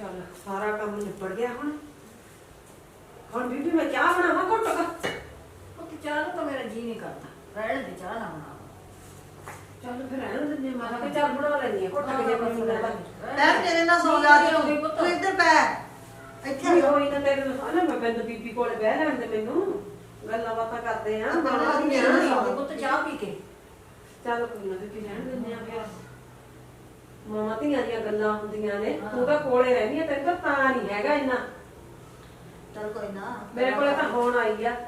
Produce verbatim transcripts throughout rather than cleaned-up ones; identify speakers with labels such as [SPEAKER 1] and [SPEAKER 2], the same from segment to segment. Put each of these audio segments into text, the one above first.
[SPEAKER 1] चल सारा काम निपट गया हुण हुण बीबी मैं चाह बनावा घुट का
[SPEAKER 2] तो चाह तो मेरा जी नहीं करता रहने दे चाह ना बना
[SPEAKER 1] चल फिर रहने दे मैं कहा चल बना लेनी है घुट के जे बनी ना
[SPEAKER 3] मैं तेरे नाल सो जा तू तू इधर पै ਇੱਥੇ
[SPEAKER 1] ਹੋਈ ਨਾ ਤੇਰੇ ਨਾਲ ਨਾ ਮੈਂ ਬੰਦ ਬੀਬੀ ਕੋਲ ਬਹਿ ਲੈਣ ਦੇ ਮੈਨੂੰ ਗੱਲਾਂ ਬਾਤਾਂ ਕਰਦੇ ਆ
[SPEAKER 3] ਬਣਾ ਦੀ ਮੇਰਾ
[SPEAKER 2] ਪੁੱਤ ਚਾਹ ਪੀ ਕੇ
[SPEAKER 1] ਚੱਲ ਕੋਈ ਨਾ ਬੀਬੀ ਰਹਿਣ ਦਿੰਦੇ ਆ ਫਿਰ ਮਾਮਾ ਧੀਆਂ ਦੀਆਂ ਗੱਲਾਂ ਹੁੰਦੀਆਂ ਨੇ ਤੂੰ ਤਾਂ ਕੋਲੇ ਰਹਿੰਦੀ ਆ ਤੈਨੂੰ ਤਾਂ ਤਾਂ ਨਹੀਂ ਹੈਗਾ ਇੰਨਾ
[SPEAKER 3] ਚਲ ਕੋਈ ਨਾ
[SPEAKER 1] ਮੇਰੇ ਕੋਲੇ ਤਾਂ ਹੁਣ ਆਈ ਆ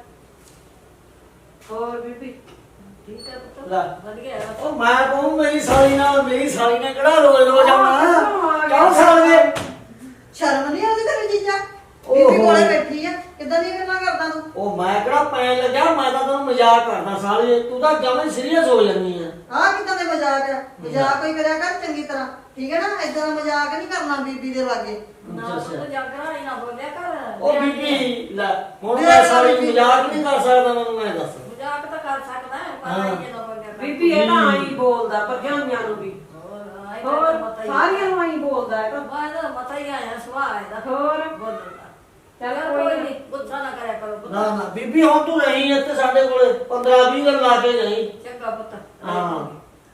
[SPEAKER 1] ਹੋਰ ਬੀਬੀ
[SPEAKER 2] ਠੀਕ ਹੈ ਪੁੱਤ
[SPEAKER 4] ਲੈ
[SPEAKER 2] ਵਧੀਆ
[SPEAKER 4] ਉਹ ਮੈਂ ਕਹੂੰ ਮੇਰੀ ਸਾਲੀ ਨਾਲ ਮੇਰੀ ਸਾਲੀ ਨੇ ਕਿਹੜਾ ਰੋਜ਼ ਰੋਜ਼ ਆਉਣਾ ਕਿਉਂ ਸਾਲੇ
[SPEAKER 3] ਸ਼ਰਮ ਨਹੀਂ ਆਉਂਦੀ ਤੇਰੀ ਜੀਜਾ ਬੀਬੀ ਕੋਲੇ ਬੈਠੀ ਆ ਕਿੱਦਾਂ ਦੀਆਂ ਗੱਲਾਂ ਕਰਦਾ ਤੂੰ
[SPEAKER 4] ਉਹ ਮੈਂ ਕਿਹੜਾ ਪੈਣ ਲੱਗਿਆ ਮੈਂ ਤਾਂ ਤੈਨੂੰ ਮਜ਼ਾਕ ਕਰਦਾ ਸਾਲੀ ਤੂੰ ਤਾਂ ਜਮਾਂ ਸੀਰੀਅਸ ਹੋ ਜਾਂਦੀ ਆ
[SPEAKER 3] ਆਹ ਕਿੱਦਾਂ ਦੇ ਮਜ਼ਾਕ ਆ ਮਜ਼ਾਕ ਕੋਈ ਕਰਿਆ ਕਰ ਚੰਗੀ ਤਰ੍ਹਾਂ ਠੀਕ ਹੈ ਨਾ ਏਦਾਂ ਦਾ ਮਜ਼ਾਕ ਨਹੀਂ ਕਰਨਾ ਬੀਬੀ ਦੇ ਲਾਗੇ
[SPEAKER 2] ਨਾ ਪੁੱਤ ਜਾਗਰਾ ਹੀ ਨਾ ਬੋਲਿਆ ਕਰ
[SPEAKER 4] ਉਹ ਬੀਬੀ ਲੈ ਹੁਣ ਮੈਂ ਸਾਲੀ ਮਜ਼ਾਕ ਨਹੀਂ ਕਰ ਸਕਦਾ ਮੈਨੂੰ ਮੈਂ ਦੱਸ
[SPEAKER 2] ਮਜ਼ਾਕ ਤਾਂ ਕਰ ਸਕਦਾ ਹੈ ਪਰ ਇਹ ਨਾ ਬੋਲਿਆ ਕਰ
[SPEAKER 1] ਬੀਬੀ ਇਹ ਤਾਂ ਆਈ ਬੋਲਦਾ ਭਰਜਾਈਆਂ ਨੂੰ ਵੀ ਹੋਰ ਸਾਰੀਆਂ ਨੂੰ ਆਈ ਬੋਲਦਾ ਹੈ ਤਾਂ
[SPEAKER 2] ਬਾਹਰ ਮਤਾ ਹੀ ਆਇਆ ਸੁਭਾਅ ਇਹਦਾ
[SPEAKER 1] ਹੋਰ
[SPEAKER 2] ਬੋਲਦਾ
[SPEAKER 1] ਚੱਲ
[SPEAKER 2] ਕੋਈ
[SPEAKER 1] ਕੋਈ
[SPEAKER 2] ਨਹੀਂ ਗੁੱਸਾ ਨਾ ਕਰਿਆ ਕਰੋ ਪੁੱਤ
[SPEAKER 4] ਨਾ ਨਾ ਬੀਬੀ ਹੁਣ ਤੂੰ ਰਹੀ ਇੱਥੇ ਸਾਡੇ ਕੋਲੇ ਪੰਦਰਾਂ ਵੀਹ ਦਿਨ ਲਾ ਕੇ ਜਾਈ
[SPEAKER 2] ਚੰਗਾ ਪੁੱਤ
[SPEAKER 4] ਹਾਂ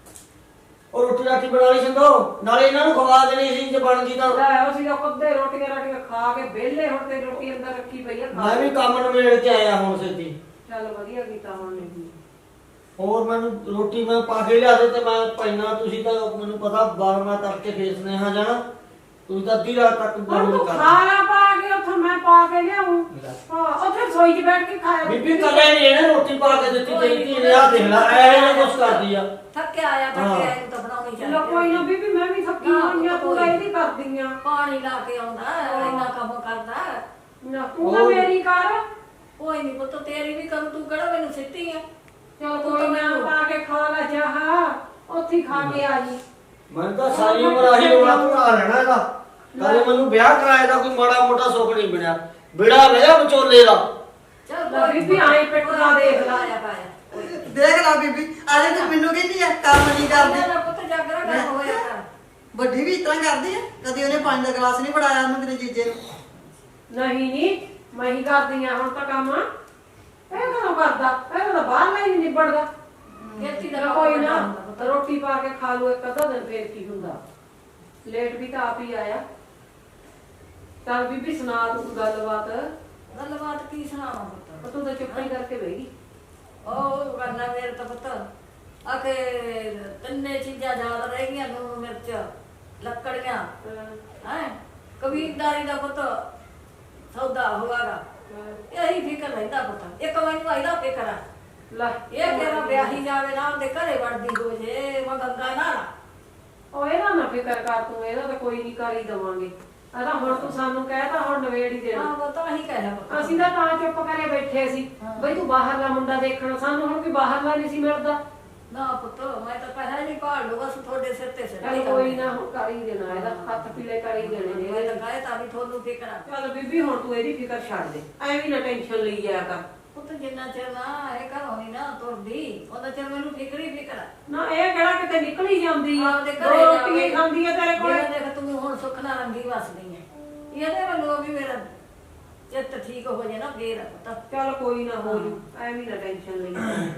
[SPEAKER 4] ਉਹ ਰੋਟੀ ਰਾਟੀ ਬਣਾ ਲਈ ਸਿੰਦੋ ਨਾਲੇ ਇਹਨਾਂ ਨੂੰ ਖਵਾ ਦੇਣੀ ਸੀ ਜੇ ਬਣ ਗਈ ਤਾਂ
[SPEAKER 1] ਲੈ ਉਹ ਸੀਗਾ ਕੁੱਦੇ ਰੋਟੀਆਂ ਰਾਟੀਆਂ ਖਾ ਕੇ ਵਿਹਲੇ ਹੁਣ ਤੇ ਰੋਟੀ ਅੰਦਰ ਰੱਖੀ ਪਈ ਆ ਖਾ
[SPEAKER 4] ਮੈਂ ਵੀ ਕੰਮ ਨਿਬੇੜ ਕੇ ਆਇਆ ਹੁਣ ਸਿੱਧੀ
[SPEAKER 1] ਚੱਲ ਵਧੀਆ ਕੀਤਾ ਹੁਣ ਨਹੀਂ
[SPEAKER 4] ਹੋਰ ਮੈਨੂੰ ਰੋਟੀ ਮੈਂ ਪਾ ਕੇ ਲਿਆ ਦੇ ਤੇ ਮੈਂ ਪੈਣਾ ਤੁਸੀਂ ਤਾਂ ਮੈਨੂੰ ਪਤਾ ਬਾਰਮਾ ਤੱਕ ਕੇ ਫੇਸ ਨੇ ਹਾਂ ਜਾਣਾ ਤੁਸੀਂ ਤਾਂ ਅੱਧੀ ਰਾਤ ਤੱਕ
[SPEAKER 1] ਹੁਣ
[SPEAKER 4] ਬੋਲ
[SPEAKER 1] ਤੂੰ
[SPEAKER 4] ਕਰ
[SPEAKER 1] ਖਾਣਾ ਪਾ ਕੇ ਉੱਥੇ ਮੈਂ ਪਾ ਕੇ ਲਿਆਉਂ ਹਾਂ ਉੱਥੇ ਰਸੋਈ 'ਚ ਬੈਠ ਕੇ ਖਾਇਆ
[SPEAKER 4] ਬੀਬੀ ਕਦੇ ਨਹੀਂ ਇਹਨੇ ਰੋਟੀ ਪਾ ਕੇ ਦਿੱਤੀ ਤੇਰੀ ਧੀ ਨੇ ਆ ਦੇਖ ਲੈ ਐ ਨੇ ਕੁਛ ਕਰਦੀ ਆ
[SPEAKER 2] ਥੱਕਿਆ ਆਇਆ ਥੱਕਿਆ ਆਇਆ ਤਾਂ ਬਣਾਉਣੀ ਚਾਹੀਦੀ
[SPEAKER 1] ਲੋ ਕੋਈ ਨਾ ਬੀਬੀ ਮੈਂ ਵੀ ਥੱਕੀ ਹੋਈ ਆ ਤੂੰ ਤਾਂ ਇਹਦੀ ਕਰਦੀ ਆ
[SPEAKER 2] ਪਾਣੀ ਲਾ ਕੇ ਆਉਂਦਾ ਇੰਨਾ ਕੰਮ ਕਰਦਾ
[SPEAKER 1] ਨਾ ਤੂੰ ਤਾਂ ਮੇਰੀ ਕਰ
[SPEAKER 2] ਕੋਈ ਨਹੀਂ ਪੁੱਤ ਤੇਰੀ ਵੀ ਕਰੂ ਤੂੰ ਕਿਹੜਾ ਮੈਨੂੰ ਸਿੱਟੀ ਆ
[SPEAKER 1] ਚਲ ਕੋਈ ਨਾ ਪਾ ਕੇ ਖਾ ਲੈ ਜਾ ਉੱਥੇ ਹੀ ਖਾ ਕੇ ਆ ਜੀ
[SPEAKER 4] ਮੈਂ ਤਾਂ ਸਾਰੀ ਉਮਰ ਆਹੀ ਰੋਣਾ ਧੋਣਾ ਰਹਿਣਾ ਇਹਦਾ ਕਦੇ ਮੈਨੂੰ ਵਿਆਹ ਕਰਾਏ ਦਾ ਕੋਈ ਮਾੜਾ ਮੋਟਾ ਸੁੱਖ ਨਹੀਂ ਮਿਲਿਆ ਬਿੜਾ ਰਿਹਾ ਵਿਚੋਲੇ ਦਾ
[SPEAKER 2] ਚੱਲ
[SPEAKER 1] ਬੀਬੀ ਆਈ ਪਿੱਟਦਾ ਦੇਖ ਲਾ
[SPEAKER 2] ਆਇਆ ਪਾਇਆ
[SPEAKER 3] ਦੇਖ ਲੈ ਬੀਬੀ ਆਲੇ ਤੂੰ ਮੈਨੂੰ ਕਹਿੰਦੀ ਆ ਕੰਮ ਨਹੀਂ ਕਰਦੀ
[SPEAKER 2] ਨਾ ਪੁੱਤ ਜਾਗਰਾ ਕਰ ਹੋਇਆ ਕਰ
[SPEAKER 3] ਵੱਡੀ ਵੀ ਇਤਨਾ ਕਰਦੀ ਆ ਕਦੀ ਉਹਨੇ ਪਾਣੀ ਦਾ ਗਲਾਸ ਨਹੀਂ ਫੜਾਇਆ ਉਹਨੂੰ ਤੇਰੇ ਜੀਜੇ ਨੂੰ
[SPEAKER 1] ਨਹੀਂ ਨਹੀਂ ਮੈਂ ਹੀ ਕਰਦੀ ਆ ਹੁਣ ਤਾਂ ਕੰਮ ਇਹ ਕਦੋਂ ਕਰਦਾ ਇਹ ਤਾਂ ਬਾਹਰ ਨਹੀਂ ਨਿਬੜਦਾ
[SPEAKER 2] ਖੇਤੀ ਦਾ
[SPEAKER 1] ਚਲੋ ਕੋਈ ਨਾ ਰੋਟੀ ਪਾ ਕੇ ਖਾ ਲੂ ਇੱਕ ਅੱਧਾ ਦਿਨ ਫੇਰ ਕੀ ਹੁੰਦਾ ਲੇਟ ਵੀ ਤਾਂ ਆਪ ਹੀ ਆਇਆ ਚੱਲ ਬੀਬੀ ਸੁਣਾ ਤੂੰ ਗੱਲਬਾਤ
[SPEAKER 2] ਗੱਲਬਾਤ ਕੀ ਸੁਣਾਵਾਂ ਪੁੱਤ
[SPEAKER 1] ਉਹ ਤੂੰ ਤਾਂ ਚੁੱਪ ਹੀ ਕਰਕੇ ਬਹਿ ਗਈ
[SPEAKER 2] ਉਹ ਕਰਨਾ ਮੇਰੇ ਤਾਂ ਪੁੱਤ ਆਕੇ ਤਿੰਨੇ ਚੀਜ਼ਾਂ ਯਾਦ ਰਹਿ ਗਈਆਂ ਲੂਣ ਮਿਰਚ ਲੱਕੜੀਆਂ ਹੈ ਕਬੀਰਦਾਰੀ ਦਾ ਪੁੱਤ ਸੌਦਾ ਹੋਵਾਗਾ ਇਹੀ ਫਿਕਰ ਰਹਿੰਦਾ ਪੁੱਤ ਇੱਕ ਮੈਨੂੰ ਆਈਦਾ ਫਿਕਰ ਆ
[SPEAKER 1] ਲੈ
[SPEAKER 2] ਇਹ ਕਿਹੜਾ ਵਿਆਹੀ ਜਾਵੇ ਨਾ ਉਹਦੇ ਘਰੇ ਵੜਦੀ ਹੋ ਜੇ ਮੈਂ ਗੰਗਾ ਨਾ
[SPEAKER 1] ਉਹ ਇਹਦਾ ਨਾ ਫਿਕਰ ਕਰ ਤੂੰ ਇਹਦਾ ਤਾਂ ਕੋਈ ਨਹੀਂ ਕਰ ਹੀ ਦਵਾਂਗੇ ਅਦਾ ਹੁਣ ਤੂੰ ਸਾਨੂੰ ਕਹਿਤਾ ਹੁਣ ਨਵੇੜ ਹੀ ਦੇਣਾ
[SPEAKER 2] ਹਾਂ ਉਹ ਤਾਂ ਹੀ ਕਹਿਣਾ ਪੁੱਤ
[SPEAKER 1] ਅਸੀਂ ਤਾਂ ਤਾਂ ਚੁੱਪ ਕਰੇ ਬੈਠੇ ਸੀ ਬਈ ਤੂੰ ਬਾਹਰਲਾ ਮੁੰਡਾ ਦੇਖਣਾ ਸਾਨੂੰ ਹੁਣ ਕੋਈ ਬਾਹਰਲਾ ਨਹੀਂ ਸੀ ਮਿਲਦਾ
[SPEAKER 2] ਨਾ ਪੁੱਤ ਮੈਂ ਤਾਂ ਪਹਿਲਾਂ ਨਹੀਂ ਭਾਲ ਲੂ ਬਸ ਤੁਹਾਡੇ ਸਿਰ ਤੇ ਸਿਰ
[SPEAKER 1] ਚੱਲ ਕੋਈ ਨਾ ਹੁਣ ਕਰ ਹੀ ਦੇਣਾ ਇਹਦਾ ਹੱਥ ਪੀਲੇ ਕਰ ਹੀ ਦੇਣੇ ਨੇ
[SPEAKER 2] ਮੈਂ
[SPEAKER 1] ਇਹਦੇ।
[SPEAKER 2] ਤਾਂ ਕਹੇ ਤਾਂ ਵੀ ਤੁਹਾਨੂੰ ਫਿਕਰ ਆ
[SPEAKER 1] ਚੱਲ ਬੀਬੀ ਹੁਣ ਤੂੰ ਇਹਦੀ ਫਿਕਰ ਛੱਡ ਦੇ ਐਵੇਂ ਨਾ ਟੈਨਸ਼ਨ ਲਈ ਜਾਇਆ ਕਰ
[SPEAKER 2] ਪੁੱਤ ਜਿੰਨਾ ਚਿਰ ਨਾ ਇਹ ਘਰੋਂ ਨੀ ਨਾ ਤੁਰਦੀ ਉਹਦਾ ਚਿਰ ਮੈਨੂੰ ਫਿਕਰ ਹੀ ਫਿਕਰ ਆ
[SPEAKER 1] ਨਾ ਇਹ ਕਿਹੜਾ ਕਿਤੇ ਨਿਕਲ ਹੀ ਜਾਂਦੀ ਆ
[SPEAKER 2] ਆਪਦੇ
[SPEAKER 1] ਦੋ
[SPEAKER 2] ਘਰੇ
[SPEAKER 1] ਰੋਟੀਆਂ ਹੀ ਖਾਂਦੀ ਆ ਤੇਰੇ ਕੋਲ
[SPEAKER 2] ਜਿਵੇਂ ਦੇਖ ਤੂੰ ਹੁਣ ਸੁੱਖ ਨਾਲ ਰੰਗੀ ਵਸਦੀ ਐ ਇਹਦੇ ਵੱਲੋਂ ਵੀ ਮੇਰਾ ਚਿੱਤ ਠੀਕ ਹੋ ਜੇ ਨਾ ਫੇਰ ਪੁੱਤ
[SPEAKER 1] ਚੱਲ ਕੋਈ ਨਾ ਹੋ ਜੂ ਐਵੇਂ ਨਾ ਟੈਨਸ਼ਨ ਲਈ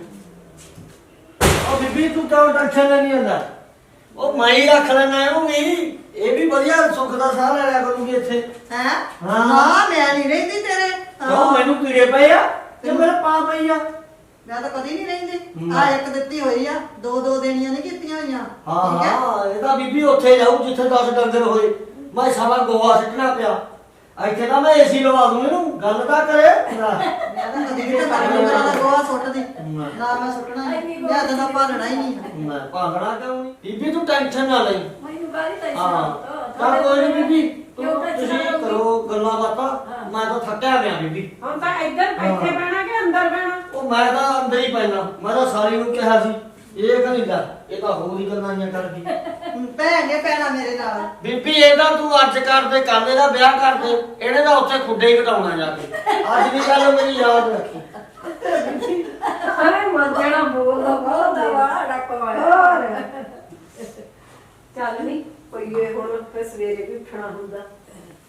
[SPEAKER 4] ਉਹ ਬੀਬੀ ਤੂੰ ਤਾਂ ਟੈਨਸ਼ਨ ਨਹੀਂ ਹੁੰਦਾ ਉਹ ਮੈਂ ਹੀ ਰੱਖ ਲੈਣਾ ਇਹਨੂੰ ਵੀ ਇਹ ਵੀ ਵਧੀਆ ਸੁੱਖ ਦਾ ਸਾਹ ਲੈ ਲਿਆ ਕਰੂਗੀ ਇੱਥੇ
[SPEAKER 3] ਹੈ
[SPEAKER 4] ਹਾਂ।
[SPEAKER 3] ਹਾਂ ਮੈਂ ਨਹੀਂ ਰਹਿੰਦੀ ਤੇਰੇ
[SPEAKER 4] ਕਿਉਂ ਮੈਨੂੰ ਕੀੜੇ ਪਏ ਆ ਤੇ ਮੇਰੇ ਪਾ ਪਈ ਆ
[SPEAKER 3] ਮੈਂ ਤਾਂ ਕਦੀ ਨਹੀਂ ਰਹਿੰਦੀ
[SPEAKER 4] ਹਮ।
[SPEAKER 3] ਆ ਇੱਕ ਦਿੱਤੀ ਹੋਈ ਆ ਦੋ ਦੋ ਦੇਣੀਆਂ ਨਹੀਂ ਕੀਤੀਆਂ ਹੋਈਆਂ
[SPEAKER 4] ਹਾਂ
[SPEAKER 3] ਠੀਕ ਹੈ
[SPEAKER 4] ਹਾਂ ਇਹਦਾ ਬੀਬੀ ਉੱਥੇ ਜਾਊ ਜਿੱਥੇ ਦਸ ਡੰਗਰ ਹੋਏ ਮੈਂ ਸਾਰਾ ਗੋਹਾ ਸਿੱਟਣਾ ਪਿਆ ਇੱਥੇ ਤਾਂ ਮੈਂ ਏਸੀ ਲਵਾ ਦੂੰ ਇਹਨੂੰ ਗੱਲ ਤਾਂ ਕਰੇ
[SPEAKER 3] ਮੈਂ ਤਾਂ ਕਦੀ ਵੀ ਤਾਂ ਡੰਗਰਾਂ ਦਾ ਗੋਹਾ ਸੁੱਟਦੀ ਨਾ ਮੈਂ ਸੁੱਟਣਾ ਨਹੀਂ ਮੈਂ ਤਾਂ ਭਾਲਣਾ ਹੀ ਨਹੀਂ
[SPEAKER 4] ਮੈਂ ਭਾਗਣਾ ਕਿਉਂ ਨਹੀਂ ਬੀਬੀ ਤੂੰ ਟੈਨਸ਼ਨ ਨਾ ਲਈ
[SPEAKER 2] ਮੈਨੂੰ ਗਾਲੀ ਤਾਂ
[SPEAKER 4] ਹਾਂ ਚੱਲ ਕੋਈ ਨਹੀਂ ਬੀਬੀ ਤੂੰ ਤੁਸੀਂ ਕਰੋ ਗੱਲਾਂ ਬਾਤਾਂ ਮੈਂ ਤਾਂ ਥੱਕਿਆ ਪਿਆ ਬੀਬੀ
[SPEAKER 1] ਹੁਣ ਤਾਂ ਇੱਧਰ ਇੱਥੇ ਬਹਿਣਾ ਕਿ ਅੰਦਰ ਬਹਿਣਾ
[SPEAKER 4] ਉਹ ਮੈਂ ਤਾਂ ਅੰਦਰ ਹੀ ਪੈਣਾ ਮੈਂ ਤਾਂ ਸਾਰੀ ਨੂੰ ਕਿਹਾ ਸੀ ਇਹ ਕਹਿੰਦੀ ਲੈ ਇਹ ਤਾਂ ਹੋਰ ਹੀ ਗੱਲਾਂ ਨਹੀਂ ਕਰਦੀ
[SPEAKER 3] ਭੈਣ ਨੇ ਪੈਣਾ ਮੇਰੇ ਨਾਲ
[SPEAKER 4] ਬੀਬੀ ਇਹਦਾ ਤੂੰ ਅੱਜ ਕਰਦੇ ਕੱਲ ਇਹਦਾ ਵਿਆਹ ਕਰਦੇ ਇਹਨੇ ਤਾਂ ਉੱਥੇ ਖੁੱਡੇ ਹੀ ਘਟਾਉਣਾ ਜਾ ਕੇ ਅੱਜ ਦੀ ਗੱਲ ਮੇਰੀ ਯਾਦ ਰੱਖੀ
[SPEAKER 1] ਅਰੇ ਮਰ ਜਾਣਾ ਬੋਲਦਾ
[SPEAKER 2] ਬਹੁਤ ਵਾਲਾ ਡੱਕ ਵਾਲਾ
[SPEAKER 1] ਚੱਲ ਨਹੀਂ ਕੋਈ ਇਹ ਹੁਣ ਫਿਰ ਸਵੇਰੇ ਵੀ ਉੱਠਣਾ ਹੁੰਦਾ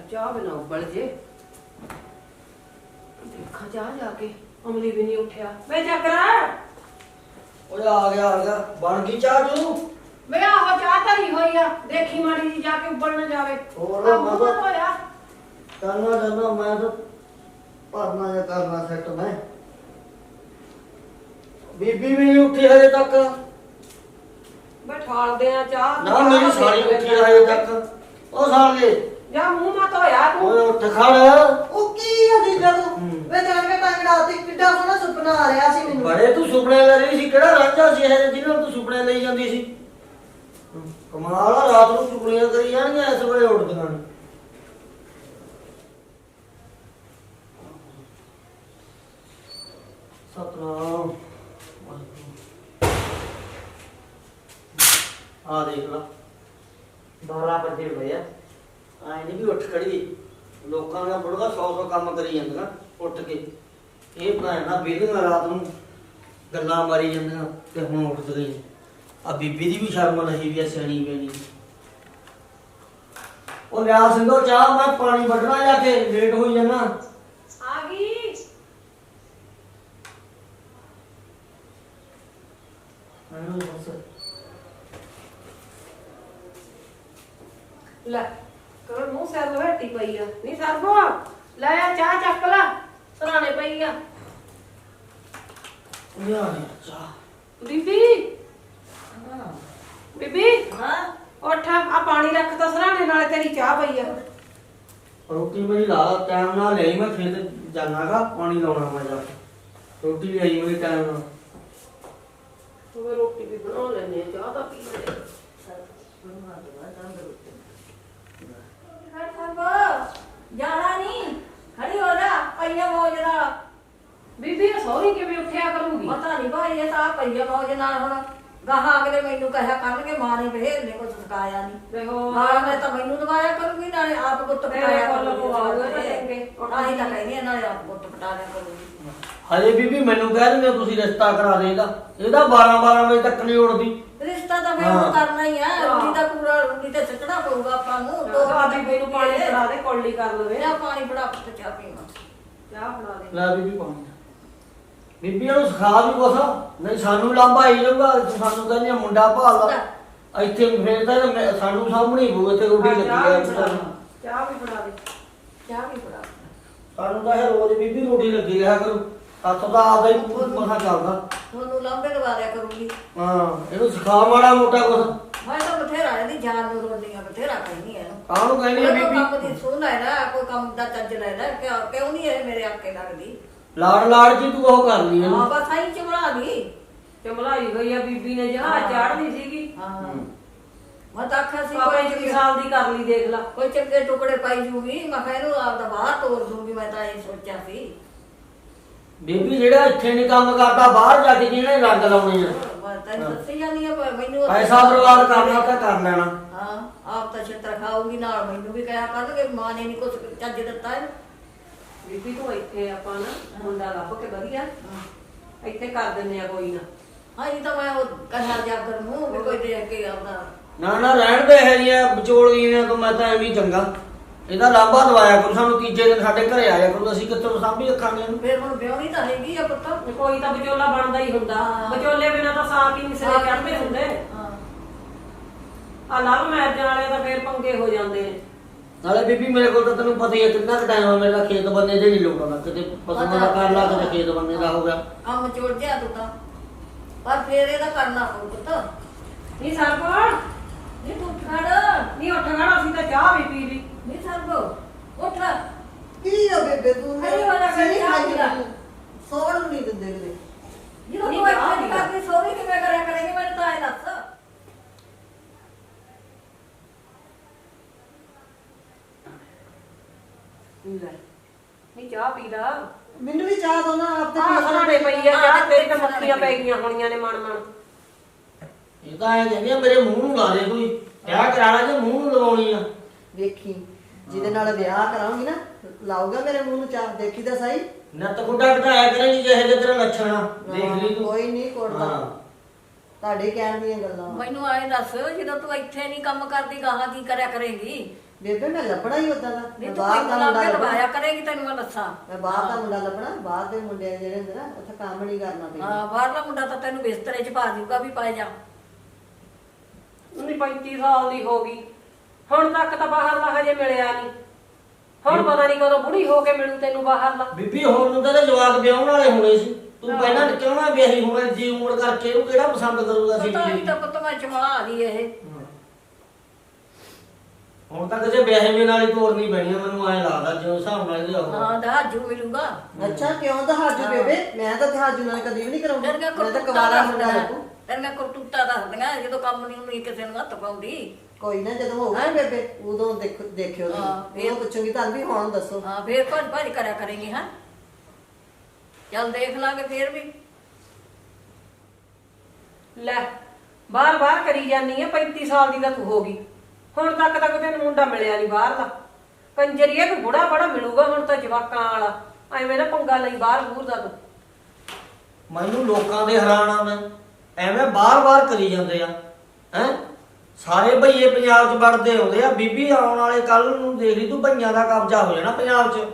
[SPEAKER 1] ਚਾਹ ਬਿਨਾ ਉਬਲ ਜੇ। ਦੇਖਾਂ ਜਾ ਜਾ ਕੇ ਅਮਲੀ ਵੀ ਨਹੀਂ ਉੱਠਿਆ। ਵੇ ਚੱਕਰਾ
[SPEAKER 4] ਓਏ ਆ ਗਿਆ ਆ ਗਿਆ, ਬਣ ਗਈ ਚਾਹ ਤੂੰ?
[SPEAKER 1] ਵੇ ਆਹੋ ਚਾਹ ਧਰੀ ਹੋਈ ਆ, ਦੇਖੀ ਮਾੜੀ ਜੀ ਜਾ ਕੇ ਉੱਬਲ ਨਾ ਜਾਵੇ।
[SPEAKER 4] ਹੋਰ
[SPEAKER 1] ਆਹ ਮੂੰਹ
[SPEAKER 4] ਮਤਲਬ-
[SPEAKER 1] ਧੋਇਆ।
[SPEAKER 4] ਕਰਨਾ ਕਰਨਾ ਮੈਂ ਤਾਂ ਭਰਨਾ ਜਾਂ ਕਰਨਾ ਸੈੱਟ ਮੈਂ। ਬੀਬੀ ਵੀ ਨਹੀਂ ਉੱਠੀ ਹਜੇ ਤੱਕ।
[SPEAKER 1] ਵੇ ਠਾਲਦੇ ਆ ਚਾਹ।
[SPEAKER 4] ਨਾ ਮੇਰੀ ਸਾਲੀ ਉੱਠੀ ਆ ਹਜੇ ਤੱਕ। ਉਹ ਸਾਲੇ
[SPEAKER 1] ਜਾ ਮੂੰਹ ਮਾ ਧੋਇਆ ਤੂੰ।
[SPEAKER 4] ਓਏ ਉੱਠ ਖੜ।
[SPEAKER 3] ਉਹ ਕੀ ਆ ਦੀ ਗੱਲ
[SPEAKER 4] ਹੂੰ।
[SPEAKER 3] ਵੇ ਜਾਣ ਕੇ ਟੰਗ ਡਾਤੀ ਕਿੱਡਾ ਸੋਹਣਾ ਸੁਪਨਾ ਆ ਰਿਹਾ ਸੀ ਮੈਨੂੰ।
[SPEAKER 4] ਬੜੇ ਤੂੰ ਸੁਪਨੇ ਲੈ ਰਹੀ ਸੀ, ਕਿਹੜਾ ਰਾਂਝਾ ਸੀ ਇਹ ਜਿਹਨਾਂ ਨੂੰ ਤੂੰ ਸੁਪਨੇ ਲਈ ਜਾਂਦੀ ਸੀ? ਹੂੰ, ਕਮਾਲ ਆ, ਰਾਤ ਨੂੰ ਚੁਗਲੀਆਂ ਕਰੀ ਜਾਣਗੀਆਂ, ਇਸ ਵੇਲੇ ਉੱਠਦੀਆਂ ਨੇ। ਸਤਨਾਮ ਆ ਦੇਖ ਲਾ, ਬਾਰਾਂ ਵਜੇ ਹੋਏ ਆ, ਆਏ ਨਹੀਂ ਵੀ ਉੱਠ ਖੜੀ। ਲੋਕਾਂ ਦਾ ਬੁੜਗਾ ਸੌ ਸੌ ਕੰਮ ਕਰੀ ਜਾਂਦੀਆਂ ਉੱਠ ਕੇ। ਇਹ ਭੈਣਾ ਬੇਲੀਆਂ ਰਾਤ ਨੂੰ ਗੱਲਾਂ ਮਾਰੀ ਜਾਂਦੀਆਂ ਤੇ ਹੁਣ ਉੱਠ ਗਈ। ਆ ਬੀਬੀ ਦੀ ਵੀ ਸ਼ਰਮ ਨਹੀਂ ਵੀ ਆ, ਸਿਆਣੀ ਬੈਣੀ। ਉਹ ਲਿਆ ਸਿੰਘੋ ਚਾਹ, ਮੈਂ ਪਾਣੀ ਵੱਢਣਾ ਜਾ ਕੇ, ਲੇਟ ਹੋਈ ਜਾਣਾ।
[SPEAKER 1] ਆ ਗਈ।
[SPEAKER 4] ਮੈਨੂੰ ਬਸ
[SPEAKER 1] ਲੈ ਕਰ ਮੂੰਹ ਸਿਰ ਲਵੇਟੀ ਪਈ ਆ। ਨਹੀਂ ਸਰਬੋ ਲੈ ਆ ਚਾਹ ਚੱਕ ਲੈ, ਸਰਾਣੇ ਪਈ ਆ।
[SPEAKER 4] ਲਿਆ ਨੀ ਚਾਹ।
[SPEAKER 1] ਬੀਬੀ
[SPEAKER 2] ਹਾਂ
[SPEAKER 1] ਬੀਬੀ
[SPEAKER 2] ਹਾਂ
[SPEAKER 1] ਉੱਠ, ਆ ਪਾਣੀ ਰੱਖ ਤਾ ਸਰਾਣੇ, ਨਾਲੇ ਤੇਰੀ ਚਾਹ ਪਈ ਆ।
[SPEAKER 4] ਰੋਟੀ ਮੇਰੀ ਲਾ ਟਾਈਮ ਨਾਲ ਲਈ, ਮੈਂ ਖੇਤ ਜਾਣਾਗਾ, ਪਾਣੀ ਲਾਉਣਾ ਮੈਂ ਜਾ ਕੇ। ਰੋਟੀ ਲਈ ਮੇਰੀ ਟਾਈਮ ਨਾਲ।
[SPEAKER 1] ਤੂੰ ਰੋਟੀ ਵੀ ਬਣਾ ਲੈਨੇ ਆ, ਚਾਹ ਤਾਂ ਪੀ ਲੈ।
[SPEAKER 2] ਖੜ ਸਰਬ ਜਾਣਾ ਨਹੀਂ, ਖੜੀ ਹੋ ਜਾ, ਪਈਆ ਮੌਜ ਨਾਲ।
[SPEAKER 1] ਬੀਬੀ ਇਹ ਸੌਰੀ ਕਿਵੇਂ ਉੱਠਿਆ ਕਰੂਗੀ?
[SPEAKER 2] ਪਤਾ ਨਹੀਂ ਭਾਈ ਇਹ ਤਾਂ ਪਈਆ ਮੌਜ ਨਾਲ ਹੁਣ ਗਾਹਾਂ ਅਗਲੇ ਮੈਨੂੰ ਕਹਿਆ ਕਰਨਗੇ ਮਾਂ ਨੇ ਭੇਜ ਨੇ ਕੁਝ ਸਿਖਾਇਆ ਨਹੀਂ।
[SPEAKER 1] ਦੇਖੋ
[SPEAKER 2] ਨਾਲ ਮੈਂ ਤਾਂ ਮੈਨੂੰ ਦਵਾਇਆ ਕਰੂੰਗੀ, ਨਾਲੇ ਆਪ ਗੁੱਤ ਪਟਾਇਆ
[SPEAKER 1] ਮੇਰੇ ਕੋਲ
[SPEAKER 2] ਕਰੂੰਗੀ।
[SPEAKER 1] ਲਗਵਾਉਗਾ ਤਾਂ ਚੰਗੇ।
[SPEAKER 2] ਤਾਂ ਹੀ ਤਾਂ ਕਹਿੰਦੀ ਆ, ਨਾਲੇ ਆਪ ਗੁੱਤ ਪਟਾਇਆ ਕਰੂੰਗੀ।
[SPEAKER 4] ਹਜੇ ਬੀਬੀ ਮੈਨੂੰ ਕਹਿ ਦਿੰਦੇ ਤੁਸੀਂ ਰਿਸ਼ਤਾ ਕਰਾ ਦੇਗਾ, ਇਹਦਾ ਬਾਰਾਂ ਬਾਰਾਂ ਵਜੇ ਤੱਕ ਨਹੀਂ ਉੱਠਦੀ।
[SPEAKER 2] ਰਿਸ਼ਤਾ ਤਾਂ ਮੈਂ
[SPEAKER 4] ਹਾਂ।
[SPEAKER 2] ਹੁਣ ਕਰਨਾ ਹੀ ਆ,
[SPEAKER 1] ਹਾਂ।
[SPEAKER 2] ਰੋਟੀ ਦਾ ਪੂਰਾ ਰੋਟੀ ਤੇ ਸੱਚਣਾ ਪਊਗਾ ਆਪਾਂ ਨੂੰ।
[SPEAKER 1] ਦੋ ਬੀਬੀ ਨੂੰ ਪਾਣੀ ਫੜਾ ਦੇ, ਕੌਲੀ ਕਰ ਲਵੇ।
[SPEAKER 2] ਲਿਆ ਪਾਣੀ ਫੜਾ ਪੁੱਤ ਚਾਹ ਪੀਵਾਂ।
[SPEAKER 1] ਚਾਹ ਫੜਾ ਦੇ।
[SPEAKER 4] ਲੈ ਬੀਬੀ ਪਾਣੀ। ਬੀਬੀ ਨੂੰ ਸਿਖਾ ਵੀ ਕੁਛ, ਨਹੀਂ ਸਾਨੂੰ ਲਾਂਭਾ ਹੀ ਜਾਊਗਾ। ਸਾਨੂੰ ਕਹਿੰਦੇ ਮੁੰਡਾ ਭਾਲ ਲਾ ਇੱਥੇ, ਫੇਰ ਤਾਂ ਮੈਂ- ਸਾਨੂੰ ਸਾਹਮਣੇ ਹੋਊ ਇੱਥੇ ਰੋਟੀ ਲੱਗੀ
[SPEAKER 1] ਚਾਹ
[SPEAKER 4] ਹੈ।
[SPEAKER 1] ਵੀ ਫੜਾ ਦੇ, ਚਾਹ ਵੀ ਫੜਾ ਦੇ।
[SPEAKER 2] ਚਾਹ ਵੀ ਫੜਾ।
[SPEAKER 4] ਸਾਨੂੰ ਤਾਂ ਇਹ ਰੋਜ਼ ਬੀਬੀ ਰੋਟੀ ਲੱਗੀ ਰਿਹਾ ਕਰੂ, ਹੱਥ ਦਾ ਆਦਾ ਹੀ ਮਸਾ ਚੱਲਦਾ।
[SPEAKER 2] ਤੁਹਾਨੂੰ ਲਾਂਬੇ ਲਵਾ ਦਿਆ ਕਰੂੰਗੀ।
[SPEAKER 4] ਹਾਂ ਇਹਨੂੰ ਸਿਖਾ ਮਾੜਾ ਮੋਟਾ ਕੁਛ।
[SPEAKER 2] ਮੈਂ ਤਾਂ ਬਥੇਰਾ ਇਹਦੀ ਜਾਨ ਨੂੰ ਰੋਂਦੀਆਂ, ਬਥੇਰਾ ਕਹਿੰਦੀ ਐ ਇਹਨੂੰ।
[SPEAKER 4] ਕਾਹਨੂੰ ਕਹਿੰਦੀ ਆ
[SPEAKER 2] ਕੋਈ ਕੰਮ
[SPEAKER 4] ਬੀਬੀ?
[SPEAKER 2] ਦੀ ਸੁਣ ਲੈ ਨਾ, ਕੋਈ ਕੰਮ ਦਾ ਚੱਜ ਲੈ ਨਾ, ਕਿਉਂ ਕਿਉਂ ਨਹੀਂ ਇਹ ਮੇਰੇ ਆਕੇ ਲੱਗਦੀ?
[SPEAKER 4] ਲਾੜ ਲਾੜ ਜੀ ਤੂੰ ਉਹ ਕਰ ਲਈ
[SPEAKER 2] ਹਾਂ
[SPEAKER 4] ਇਹਨੂੰ।
[SPEAKER 2] ਬਸ ਆਈ ਚਮੜਾ ਦੀ।
[SPEAKER 1] ਚਮਲਾਈ ਹੋਈ ਆ ਬੀਬੀ ਨੇ, ਜਹਾਜ਼ ਚਾੜਨੀ ਸੀਗੀ।
[SPEAKER 2] ਹਾਂ ਮੈਂ ਤਾਂ ਆਖਿਆ ਸੀ
[SPEAKER 1] ਕੋਈ
[SPEAKER 2] ਕੋਈ
[SPEAKER 1] ਪੰਜ
[SPEAKER 2] ਚੰਗੇ
[SPEAKER 1] ਸਾਲ ਦੀ ਕਰ ਲਈ, ਦੇਖ ਲਾ।
[SPEAKER 2] ਕੋਈ ਚੰਗੇ ਟੁਕੜੇ ਪਾਈ ਜੂਗੀ, ਮੈਂ ਕਿਹਾ ਇਹਨੂੰ ਆਪਦਾ ਬਾਹਰ ਤੋੜ ਦੂੰਗੀ। ਮੈਂ ਤਾਂ ਇਹ ਸੋਚਿਆ ਸੀ।
[SPEAKER 4] ਬੀਬੀ ਜਿਹੜਾ ਇੱਥੇ ਨਹੀਂ ਕੰਮ ਕਰਦਾ, ਬਾਹਰ ਜਾ ਕੇ ਜਿਹਨੇ ਰੰਗ ਲਾਉਣੇ ਆ।
[SPEAKER 2] ਮੈਂ ਤਾਂ ਦੱਸੀ ਜਾਂਦੀ ਆ, ਪਰ ਮੈਨੂੰ
[SPEAKER 4] ਪੈਸਾ ਬਰਬਾਦ ਕਰਨਾ ਤਾਂ ਕਰ ਲੈਣਾ।
[SPEAKER 2] ਹਾਂ ਆਪ ਤਾਂ ਛਿੱਤਰ ਖਾਊਗੀ, ਨਾਲ ਮੈਨੂੰ ਵੀ ਕਹਿਆ ਕਰਨਗੇ ਮਾਂ ਨੇ ਨਹੀਂ ਕੁਝ ਚੱਜ ਦਿੱਤਾ ਇਹਨੂੰ।
[SPEAKER 1] ਬੀਬੀ ਤੂੰ ਇੱਥੇ ਆਪਾਂ ਨਾ ਮੁੰਡਾ ਲੱਭ ਕੇ ਵਧੀਆ ਇੱਥੇ ਕਰ ਦਿੰਨੇ ਆ ਕੋਈ ਨਾ।
[SPEAKER 2] ਹਾਂ ਇਹ ਤਾਂ ਮੈਂ ਉਹ ਕਹਿਆ ਜਾ ਕਰ ਮੂੰਹ ਵੀ ਕੋਈ ਦੇਖ ਕੇ ਆਉਂਦਾ।
[SPEAKER 4] ਨਾ ਨਾ ਰਹਿਣ ਦੇ ਹੈ ਜੀਆਂ ਵਿਚੋਲੀਆਂ ਤੋਂ, ਮੈਂ ਤਾਂ ਐਵੇਂ ਹੀ ਚੰਗਾ। ਇਹਦਾ ਲਾਂਭਾ ਦਵਾਇਆ ਕਰੋ ਸਾਨੂੰ, ਤੀਜੇ ਦਿਨ ਸਾਡੇ ਘਰੇ ਆਇਆ ਕਰੋ, ਅਸੀਂ ਕਿੱਥੋਂ ਸਾਂਭੀ ਰੱਖਾਂਗੇ ਇਹਨੂੰ।
[SPEAKER 2] ਫਿਰ ਹੁਣ ਵਿਆਹਣੀ ਤਾਂ ਹੈਗੀ ਆ ਪੁੱਤ।
[SPEAKER 1] ਕੋਈ ਤਾਂ ਵਿਚੋਲਾ ਬਣਦਾ ਹੀ ਹੁੰਦਾ,
[SPEAKER 2] ਹਾਂ।
[SPEAKER 1] ਵਿਚੋਲੇ ਬਿਨਾਂ ਤਾਂ ਸਾਕ ਹੀ ਨਹੀਂ ਸਿਰੇ ਚੜ੍ਹਦੇ ਹੁੰਦੇ।
[SPEAKER 2] ਹਾਂ
[SPEAKER 1] ਆ ਲਵ ਮੈਰਿਜ ਵਾਲੇ ਤਾਂ ਫੇਰ ਪੰਗੇ ਹੋ ਜਾਂਦੇ ਨੇ।
[SPEAKER 4] ਨਾਲੇ ਬੀਬੀ ਮੇਰੇ ਕੋਲ ਤਾਂ ਤੈਨੂੰ ਪਤਾ ਹੀ ਹੈ ਕਿੰਨਾ ਕੁ ਟਾਈਮ ਆ ਮੇਰਾ ਖੇਤ ਬੰਨੇ ਦੇ ਨਹੀਂ ਲੋੜਾਂ, ਕਿਤੇ ਪਸ਼ੂਆਂ ਦਾ ਕਰ ਲਾ, ਕਿਤੇ ਖੇਤ ਬੰਨੇ ਦਾ ਹੋ ਗਿਆ।
[SPEAKER 2] ਕੰਮ ਚੋੜ ਗਿਆ ਤੂੰ ਤਾਂ, ਪਰ ਫੇਰ ਇਹਦਾ ਕਰਨਾ ਪਊ ਪੁੱਤ।
[SPEAKER 1] ਨਹੀਂ ਸਰਪਾ
[SPEAKER 2] ਨਹੀਂ ਤੂੰ ਖੜ,
[SPEAKER 1] ਨਹੀਂ ਉੱਠ ਖੜਾ, ਅਸੀਂ ਤਾਂ ਚਾਹ ਵੀ ਪੀ ਲਈ।
[SPEAKER 2] ਨਹੀਂ ਸਰਬ ਉੱਠ।
[SPEAKER 3] ਕੀ ਆ ਬੇਬੇ ਤੂੰ
[SPEAKER 2] ਖੜੀ ਹੋ ਜਾ,
[SPEAKER 3] ਸਹੀ
[SPEAKER 2] ਚਾਹ
[SPEAKER 3] ਖਾਈ
[SPEAKER 2] ਪੀ ਲੈ।
[SPEAKER 3] ਸੌਣ ਨੂੰ ਨਹੀਂ ਦਿੰਦੇ ਕਿਤੇ।
[SPEAKER 2] ਜਦੋਂ
[SPEAKER 1] ਨਹੀਂ
[SPEAKER 2] ਤੂੰ ਇੱਥੇ
[SPEAKER 1] ਚਾਹ
[SPEAKER 2] ਨਹੀਂ
[SPEAKER 1] ਪੀ ਲੈ।
[SPEAKER 2] ਕਰਦੀ ਸੋਰੀ ਕਿਵੇਂ ਕਰਿਆ ਕਰੇਗੀ ਮੈਨੂੰ ਤਾਂ ਇਹ ਦੱਸ।
[SPEAKER 1] ਲੈ ਨਹੀਂ ਚਾਹ ਪੀ ਲਾ।
[SPEAKER 3] ਮੈਨੂੰ ਵੀ ਚਾਹ ਦੋ ਨਾ, ਆਪ ਤੇ
[SPEAKER 1] ਆਹ ਸਰਾਣੇ ਪਈ ਆ ਚਾਹ, ਤੇਰੀ ਤਾਂ ਮੱਖੀਆਂ ਪੈ ਗਈਆਂ ਹੋਣੀਆਂ ਨੇ ਮਨ ਮਨ।
[SPEAKER 4] ਇਹ ਤਾਂ ਐ ਕਹਿੰਦੀ ਆ ਮੇਰੇ ਮੂੰਹ ਨੂੰ ਲਾ ਦੇ ਕੋਈ, ਵਿਆਹ ਕਰਾਣਾ ਜੇ ਮੂੰਹ ਨੂੰ ਲਵਾਉਣੀ ਆ।
[SPEAKER 3] ਵੇਖੀ ਜਿਹਦੇ ਨਾਲ ਵਿਆਹ ਕਰਾਉਂਗੀ ਨਾ, ਲਾਊਗਾ ਮੇਰੇ ਮੂੰਹ ਨੂੰ ਚਾਹ, ਦੇਖੀ ਤਾਂ ਸਹੀ।
[SPEAKER 4] ਨੱਤ ਗੁੱਡਾ ਘਟਾਇਆ ਕਰੇਗੀ ਜਿਹੇ ਜਿਹੇ ਤੇਰਾ ਲੱਛਣ ਆ, ਦੇਖ ਲਈ ਤੂੰ।
[SPEAKER 3] ਕੋਈ ਨਹੀਂ ਕੋੜਦਾ,
[SPEAKER 4] ਹਾਂ।
[SPEAKER 3] ਤੁਹਾਡੇ ਕਹਿਣ ਦੀਆਂ ਗੱਲਾਂ।
[SPEAKER 2] ਮੈਨੂੰ ਆਏ ਦੱਸ, ਜਦੋਂ ਤੂੰ ਇੱਥੇ ਨਹੀਂ ਕੰਮ ਕਰਦੀ ਗਾਹਾਂ ਕੀ ਕਰਿਆ ਕਰੇਗੀ?
[SPEAKER 3] ਬੇਬੇ ਮੈਂ ਲੱਭਣਾ ਹੀ ਉਦਾਂ ਦਾ
[SPEAKER 2] ਨਹੀਂ
[SPEAKER 3] ਮੈਂ
[SPEAKER 2] ਤੂੰ
[SPEAKER 3] ਬਾਹਰ
[SPEAKER 2] ਮੈਨੂੰ
[SPEAKER 3] ਦਾ
[SPEAKER 2] ਲਾ
[SPEAKER 3] ਮੁੰਡਾ
[SPEAKER 2] ਕੇ
[SPEAKER 3] ਲੱਭਣਾ
[SPEAKER 2] ਲਵਾਇਆ ਕਰੇਗੀ ਤੈਨੂੰ ਮੈਂ ਦੱਸਾਂ
[SPEAKER 3] ਮੈਂ ਬਾਹਰ ਦਾ ਮੁੰਡਾ ਲੱਭਣਾ ਬਾਹਰ ਦੇ ਮੁੰਡੇ ਜਿਹੜੇ ਹੁੰਦੇ ਨਾ ਉੱਥੇ ਕੰਮ ਨਹੀਂ ਕਰਨਾ ਪੈਂਦਾ
[SPEAKER 2] ਹਾਂ ਬਾਹਰਲਾ ਮੁੰਡਾ ਤਾਂ ਤੈਨੂੰ ਬਿਸਤਰੇ 'ਚ ਪਾ ਦੂਗਾ ਵੀ ਪਾਏ ਜਾ
[SPEAKER 1] ਉਹਨੇ ਪੈਂਤੀ ਸਾਲ ਦੀ ਹੋ ਗਈ ਹੁਣ ਤੱਕ ਤਾਂ ਬਾਹਰਲਾ ਹਜੇ ਮਿਲਿਆ ਨਹੀਂ ਹੁਣ ਪਤਾ ਨਹੀਂ ਕਦੋਂ ਬੁੜੀ ਹੋ ਕੇ ਮਿਲੂ ਤੈਨੂੰ ਬਾਹਰਲਾ
[SPEAKER 4] ਬੀਬੀ ਹੁਣ ਨੂੰ ਤਾਂ ਇਹਦੇ ਜਵਾਕ ਵਿਆਹਣ ਵਾਲੇ ਹੋਣੇ ਸੀ ਤੂੰ ਪਹਿਲਾਂ ਕਿਉਂ ਨਾ ਵਿਆਹੀ ਹੋਣਾ ਜੀ ਉਮਰ ਕਰਕੇ ਇਹਨੂੰ ਕਿਹੜਾ ਪਸੰਦ ਕਰੂਗਾ ਸੀ
[SPEAKER 2] ਪਤਾ ਨਹੀਂ ਤਾਂ ਪੁੱਤ ਮੈਂ ਚਮਲਾ ਲਈ ਇਹ
[SPEAKER 4] ਹੁਣ ਤਾਂ ਕਿਸੇ ਵਿਆਹੇ ਵੀ ਨਾਲ ਹੀ ਤੋਰਨੀ ਪੈਣੀ ਆ ਮੈਨੂੰ ਐਂ ਲੱਗਦਾ ਜਿਉਂ ਹਿਸਾਬ ਨਾਲ ਇਹਦੇ ਉਹ
[SPEAKER 2] ਹਾਂ ਦਹਾਜੂ ਮਿਲੂਗਾ
[SPEAKER 3] ਅੱਛਾ ਕਿਉਂ ਦਹਾਜੂ ਬੇਬੇ ਮੈਂ ਤਾਂ ਦਹਾਜੂ ਨਾਲ ਕਦੀ ਵੀ ਨਹੀਂ ਕਰਾਉਂਦੀ
[SPEAKER 2] ਤੇਰੀਆਂ
[SPEAKER 3] ਮੈਂ ਤਾਂ
[SPEAKER 2] ਕਰਤੂਤਾਂ
[SPEAKER 3] ਕੁਵਾਰਾ ਮੁੰਡਾ
[SPEAKER 2] ਦੱਸਦੀਆਂ
[SPEAKER 3] ਲੱਭੂ
[SPEAKER 2] ਤੇਰੀਆਂ ਕਰਤੂਤਾਂ ਦੱਸਦੀਆਂ ਜਦੋਂ ਕੰਮ ਨਹੀਂ ਹੁੰਦੀ ਕਿਸੇ ਨੂੰ ਹੱਥ ਪਾਉਂਦੀ
[SPEAKER 3] ਕੋਈ ਨਾ ਜਦੋਂ ਹੋਊਗਾ ਨਾ ਬੇਬੇ ਉਦੋਂ ਦੇਖ ਦੇਖਿਓ
[SPEAKER 2] ਹਾਂ,
[SPEAKER 3] ਤੁਸੀਂ ਉਹ ਪੁੱਛੂਗੀ ਤੁਹਾਨੂੰ ਵੀ ਹੁਣ ਦੱਸੋ
[SPEAKER 2] ਹਾਂ ਫੇਰ ਭੱਜ ਭੱਜ ਕਰਿਆ ਕਰੇਗੀ ਹਾਂ ਚੱਲ ਦੇਖ ਲਾਂਗੇ ਫੇਰ ਵੀ
[SPEAKER 1] ਲੈ ਬਾਹਰ ਬਾਹਰ ਕਰੀ ਜਾਨੀ ਆ ਪੈਂਤੀ ਸਾਲ ਦੀ ਤਾਂ ਤੂੰ ਹੋ ਗਈ ਹੁਣ ਤੱਕ ਤਾਂ ਕੋਈ ਤੈਨੂੰ ਮੁੰਡਾ ਮਿਲਿਆ ਨਹੀਂ ਬਾਹਰ ਦਾ ਕੰਜਰੀਏ ਤੂੰ ਬੁੜਾ ਬੜਾ ਮਿਲੂਗਾ ਹੁਣ ਤਾਂ ਜਵਾਕਾਂ ਵਾਲਾ ਐਵੇਂ ਨਾ ਪੰਗਾ ਲਈ ਬਾਹਰ ਬੂਰ ਦਾ ਤੂੰ
[SPEAKER 4] ਮੈਨੂੰ ਲੋਕਾਂ ਦੇ ਹੈਰਾਨਾ ਮੈਂ ਐਵੇਂ ਬਾਰ-ਬਾਰ ਕਰੀ ਜਾਂਦੇ ਆ ਹੈ ਸਾਰੇ ਭਈਏ ਪੰਜਾਬ 'ਚ ਵੜਦੇ ਆਉਂਦੇ ਆ ਬੀਬੀ ਆਉਣ ਵਾਲੇ ਕੱਲ ਨੂੰ ਦੇਖ ਲਈ ਤੂੰ ਭਈਆਂ ਦਾ ਕਬਜ਼ਾ ਹੋ ਜਾਣਾ ਪੰਜਾਬ 'ਚ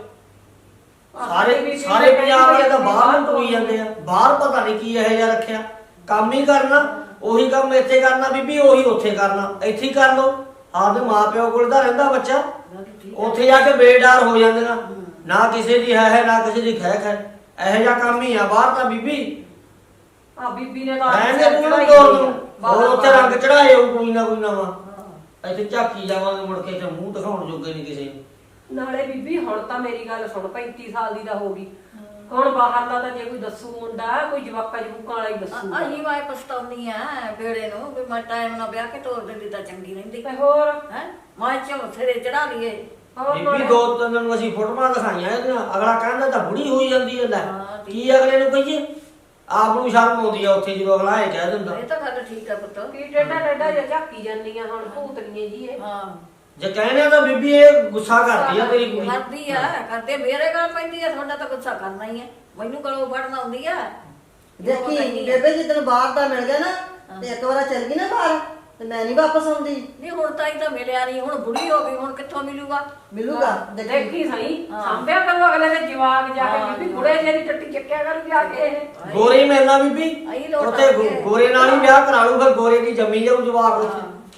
[SPEAKER 4] ਸਾਰੇ ਸਾਰੇ ਪੰਜਾਬ ਵਾਲੇ ਤਾਂ ਬਾਹਰ ਨੂੰ ਤੁਰੀ ਜਾਂਦੇ ਆ ਬਾਹਰ ਪਤਾ ਨਹੀਂ ਕੀ ਇਹੋ ਜਿਹਾ ਰੱਖਿਆ ਕੰਮ ਹੀ ਕਰਨਾ ਉਹੀ ਕੰਮ ਇੱਥੇ ਕਰਨਾ ਬੀਬੀ ਉਹੀ ਉੱਥੇ ਕਰਨਾ ਇੱਥੇ ਹੀ ਕਰ ਲਓ ਆਪਦੇ ਮਾਪਿਓ ਕੋਲ ਤਾਂ ਰਹਿੰਦਾ ਬੱਚਾ ਉੱਥੇ ਜਾ ਕੇ ਬੇਡਾਰ ਹੋ ਜਾਂਦੀਆਂ ਨਾ ਕਿਸੇ ਦੀ ਹੈ ਹੈ ਨਾ ਕਿਸੇ ਦੀ ਖੈ ਖੈ ਇਹੋ ਜਿਹਾ ਕੰਮ ਹੀ ਆ ਬਾਹਰ ਤਾਂ ਬੀਬੀ
[SPEAKER 1] ਆ ਬੀਬੀ ਨੇ ਤਾਂ
[SPEAKER 4] ਰਹਿੰਦੇ ਤੂੰ ਨਾ ਤੋਰ ਦੂੰ ਹੋਰ ਉੱਥੇ ਰੰਗ ਚੜਾਏ ਉਹ ਕੋਈ ਨਾ ਕੋਈ ਨਵਾਂ ਇੱਥੇ ਝਾਕੀ ਜਾਵਾਂਗੇ ਮੁੜ ਕੇ ਤੇ ਮੂੰਹ ਦਿਖਾਉਣ ਜੋਗੇ ਨਹੀਂ ਕਿਸੇ ਨੂੰ
[SPEAKER 1] ਨਾਲੇ ਬੀਬੀ ਹੁਣ ਤਾਂ ਮੇਰੀ ਗੱਲ ਸੁਣ ਪੈਂਤੀ ਸਾਲ ਦੀ ਤਾਂ ਹੋ ਗਈ ਹੁਣ ਬਾਹਰਲਾ ਤਾਂ ਜੇ ਕੋਈ ਦੱਸੂ ਮੁੰਡਾ ਕੋਈ ਜਵਾਕਾ ਜਵੂਕਾਂ ਵਾਲਾ ਹੀ ਦੱਸੂ
[SPEAKER 2] ਅਹੀਂ ਮੈਂ ਪਛਤਾਉਣੀ ਆ ਬੇੜੇ ਨੂੰ ਵੀ ਮੈਂ ਟਾਈਮ ਨਾਲ ਵਿਆਹ ਕੇ ਤੋਰ ਦਿੰਦੀ ਤਾਂ ਚੰਗੀ ਰਹਿੰਦੀ
[SPEAKER 1] ਤੇ ਹੋਰ
[SPEAKER 2] ਹੈ ਮੈਂ ਚੋਂ ਸਿਰੇ ਚੜਾ ਲਈਏ
[SPEAKER 1] ਹੋਰ
[SPEAKER 4] ਬੀਬੀ
[SPEAKER 1] ਨਾਲੇ-
[SPEAKER 4] ਦੋ ਤਿੰਨ ਨੂੰ ਅਸੀਂ ਫੋਟੋਆਂ ਦਿਖਾਈਆਂ ਇਹਦੀਆਂ ਅਗਲਾ ਕਹਿੰਦਾ ਤਾਂ ਬੁੜੀ ਹੋਈ ਜਾਂਦੀ ਹੈ ਲੈ
[SPEAKER 2] ਹਾਂ, ਠੀਕ
[SPEAKER 4] ਕੀ ਅਗਲੇ ਨੂੰ ਕਹੀਏ ਆਪ ਨੂੰ ਸ਼ਰਮ ਆਉਂਦੀ ਆ ਉੱਥੇ ਜਦੋਂ ਅਗਲਾ ਇਹ ਕਹਿ ਦਿੰਦਾ
[SPEAKER 2] ਇਹ ਤਾਂ ਗੱਲ ਠੀਕ ਆ ਪੁੱਤ
[SPEAKER 1] ਕੀ ਟੇਡਾ ਟੇਡਾ ਜਿਹਾ ਝਾਕੀ ਜਾਂਦੀਆਂ ਹੁਣ ਭੂਤਨੀਆਂ ਜੀ ਇਹ
[SPEAKER 2] ਹਾਂ
[SPEAKER 4] ਜੇ ਕਹਿੰਦੇ ਤਾਂ ਬੀਬੀ ਇਹ ਗੁੱਸਾ ਕਰਦੀ ਆ ਤੇਰੀ ਕੁੜੀ
[SPEAKER 2] ਕਰਦੀ ਆ ਕਰਦੇ ਮੇਰੇ ਗੱਲ ਪੈਂਦੀ ਆ ਤੁਹਾਡਾ ਤਾਂ ਗੁੱਸਾ ਕਰਨਾ ਹੀ ਆ ਮੈਨੂੰ ਗਲੋਂ ਫੜਨ ਆਉਂਦੀ ਆ
[SPEAKER 3] ਦੇਖੀ ਬੇਬੇ ਜਿੱਦਣ ਬਾਹਰ ਦਾ ਮਿਲ ਗਿਆ ਨਾ ਤੇ ਇੱਕ ਵਾਰ ਚੱਲ ਗਈ ਨਾ ਬਾਹਰ ਤੇ ਮੈਂ ਨਹੀਂ ਵਾਪਸ ਆਉਂਦੀ
[SPEAKER 2] ਨਹੀਂ ਹੁਣ ਤਾਂ ਹੀ ਤਾਂ ਮਿਲਿਆ ਨਹੀਂ ਹੁਣ ਬੁੜੀ ਹੋ ਗਈ ਹੁਣ ਕਿੱਥੋਂ ਮਿਲੂਗਾ
[SPEAKER 3] ਮਿਲੂਗਾ ਦੇਖੀ
[SPEAKER 1] ਦੇਖੀ ਸਹੀ
[SPEAKER 2] ਹਾਂ।
[SPEAKER 1] ਸਾਂਭਿਆ ਕਰੂ ਅਗਲੇ ਦੇ ਜਵਾਕ ਜਾ ਕੇ
[SPEAKER 2] ਹਾਂ।
[SPEAKER 1] ਬੀਬੀ ਬੁੜੇ ਜਿਹੇ ਦੀ ਟੱਟੀ ਚੱਕਿਆ ਕਰੂ ਜਾ ਕੇ ਇਹ
[SPEAKER 4] ਗੋਰੇ ਮਿਲਣਾ ਬੀਬੀ
[SPEAKER 2] ਆਹੀ ਲੋਟ
[SPEAKER 4] ਉੱਥੇ ਗੋ-
[SPEAKER 2] ਆਉਣਗੇ।
[SPEAKER 4] ਗੋਰੇ ਨਾਲ ਹੀ ਵਿਆਹ ਕਰਾ ਲੂ ਫਿਰ ਗੋਰੇ ਦੀ ਜੰਮੀ ਜਾਊ ਜਵਾਕ ਉੱਥੇ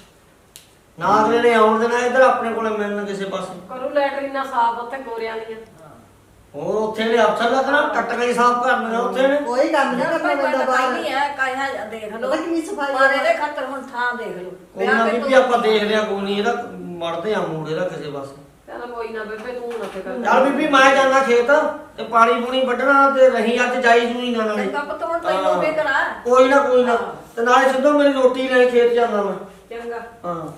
[SPEAKER 4] ਨਾ ਅਗਲੇ ਨੇ ਆਉਣ ਦੇਣਾ ਇੱਧਰ ਆਪਣੇ ਕੋਲੇ ਮਿਲਣ ਕਿਸੇ ਪਾਸੇ
[SPEAKER 1] ਕਰੂ ਲੈਟਰੀਨਾਂ ਸਾਫ ਉੱਥੇ ਗੋਰਿਆਂ ਦੀਆਂ
[SPEAKER 4] ਹੋਰ ਉੱਥੇ ਨੇ ਅਫਸਰ ਲੱਗਣਾ ਟੱਟੀਆਂ ਹੀ ਸਾਫ਼ ਕਰਨੀਆਂ ਉੱਥੇ ਨੇ
[SPEAKER 3] ਕੋਈ ਕੰਮ ਨਹੀਂ ਕਰਨਾ ਪੈਂਦਾ ਬਾਹਰ
[SPEAKER 2] ਨਹੀਂ ਹੈ ਕਾਇਆ ਦੇਖ ਲਓ
[SPEAKER 3] ਪਤਾ ਕਿੰਨੀ ਸਫਾਈ
[SPEAKER 2] ਪਰ
[SPEAKER 3] ਆ।
[SPEAKER 2] ਇਹਦੇ ਖਾਤਰ ਹੁਣ ਥਾਂ ਦੇਖ ਲਓ
[SPEAKER 4] ਕੋਈ ਨਾ ਬੀਬੀ ਆਪਾਂ ਦੇਖਦੇ ਆ ਕੋਈ ਨਹੀਂ ਇਹਦਾ ਮੜਦੇ ਆ ਮੂਡ ਇਹਦਾ ਕਿਸੇ ਪਾਸੇ
[SPEAKER 1] ਚੱਲ ਕੋਈ ਨਾ ਬੇਬੇ ਤੂੰ ਨਾ ਫਿਕਰ
[SPEAKER 4] ਚੱਲ ਬੀਬੀ ਮੈਂ ਜਾਂਦਾ ਖੇਤ ਤੇ ਪਾਣੀ ਪੂਣੀ ਵੱਢਣਾ ਤੇ ਰਹੀ ਅੱਜ ਜਾਈ ਜੂਈ ਨਾ ਨਾਲੇ
[SPEAKER 2] ਚੰਗਾ ਪੁੱਤ ਹੁਣ ਤੈਨੂੰ ਫਿਕਰ ਆ
[SPEAKER 4] ਕੋਈ ਨਾ ਕੋਈ ਨਾ ਤੇ ਨਾਲੇ ਸਿੱਧੋ ਮੇਰੀ ਰੋਟੀ ਲੈ ਖੇਤ ਜਾਂਦਾ ਮੈਂ
[SPEAKER 1] ਚੰਗਾ
[SPEAKER 4] ਹਾਂ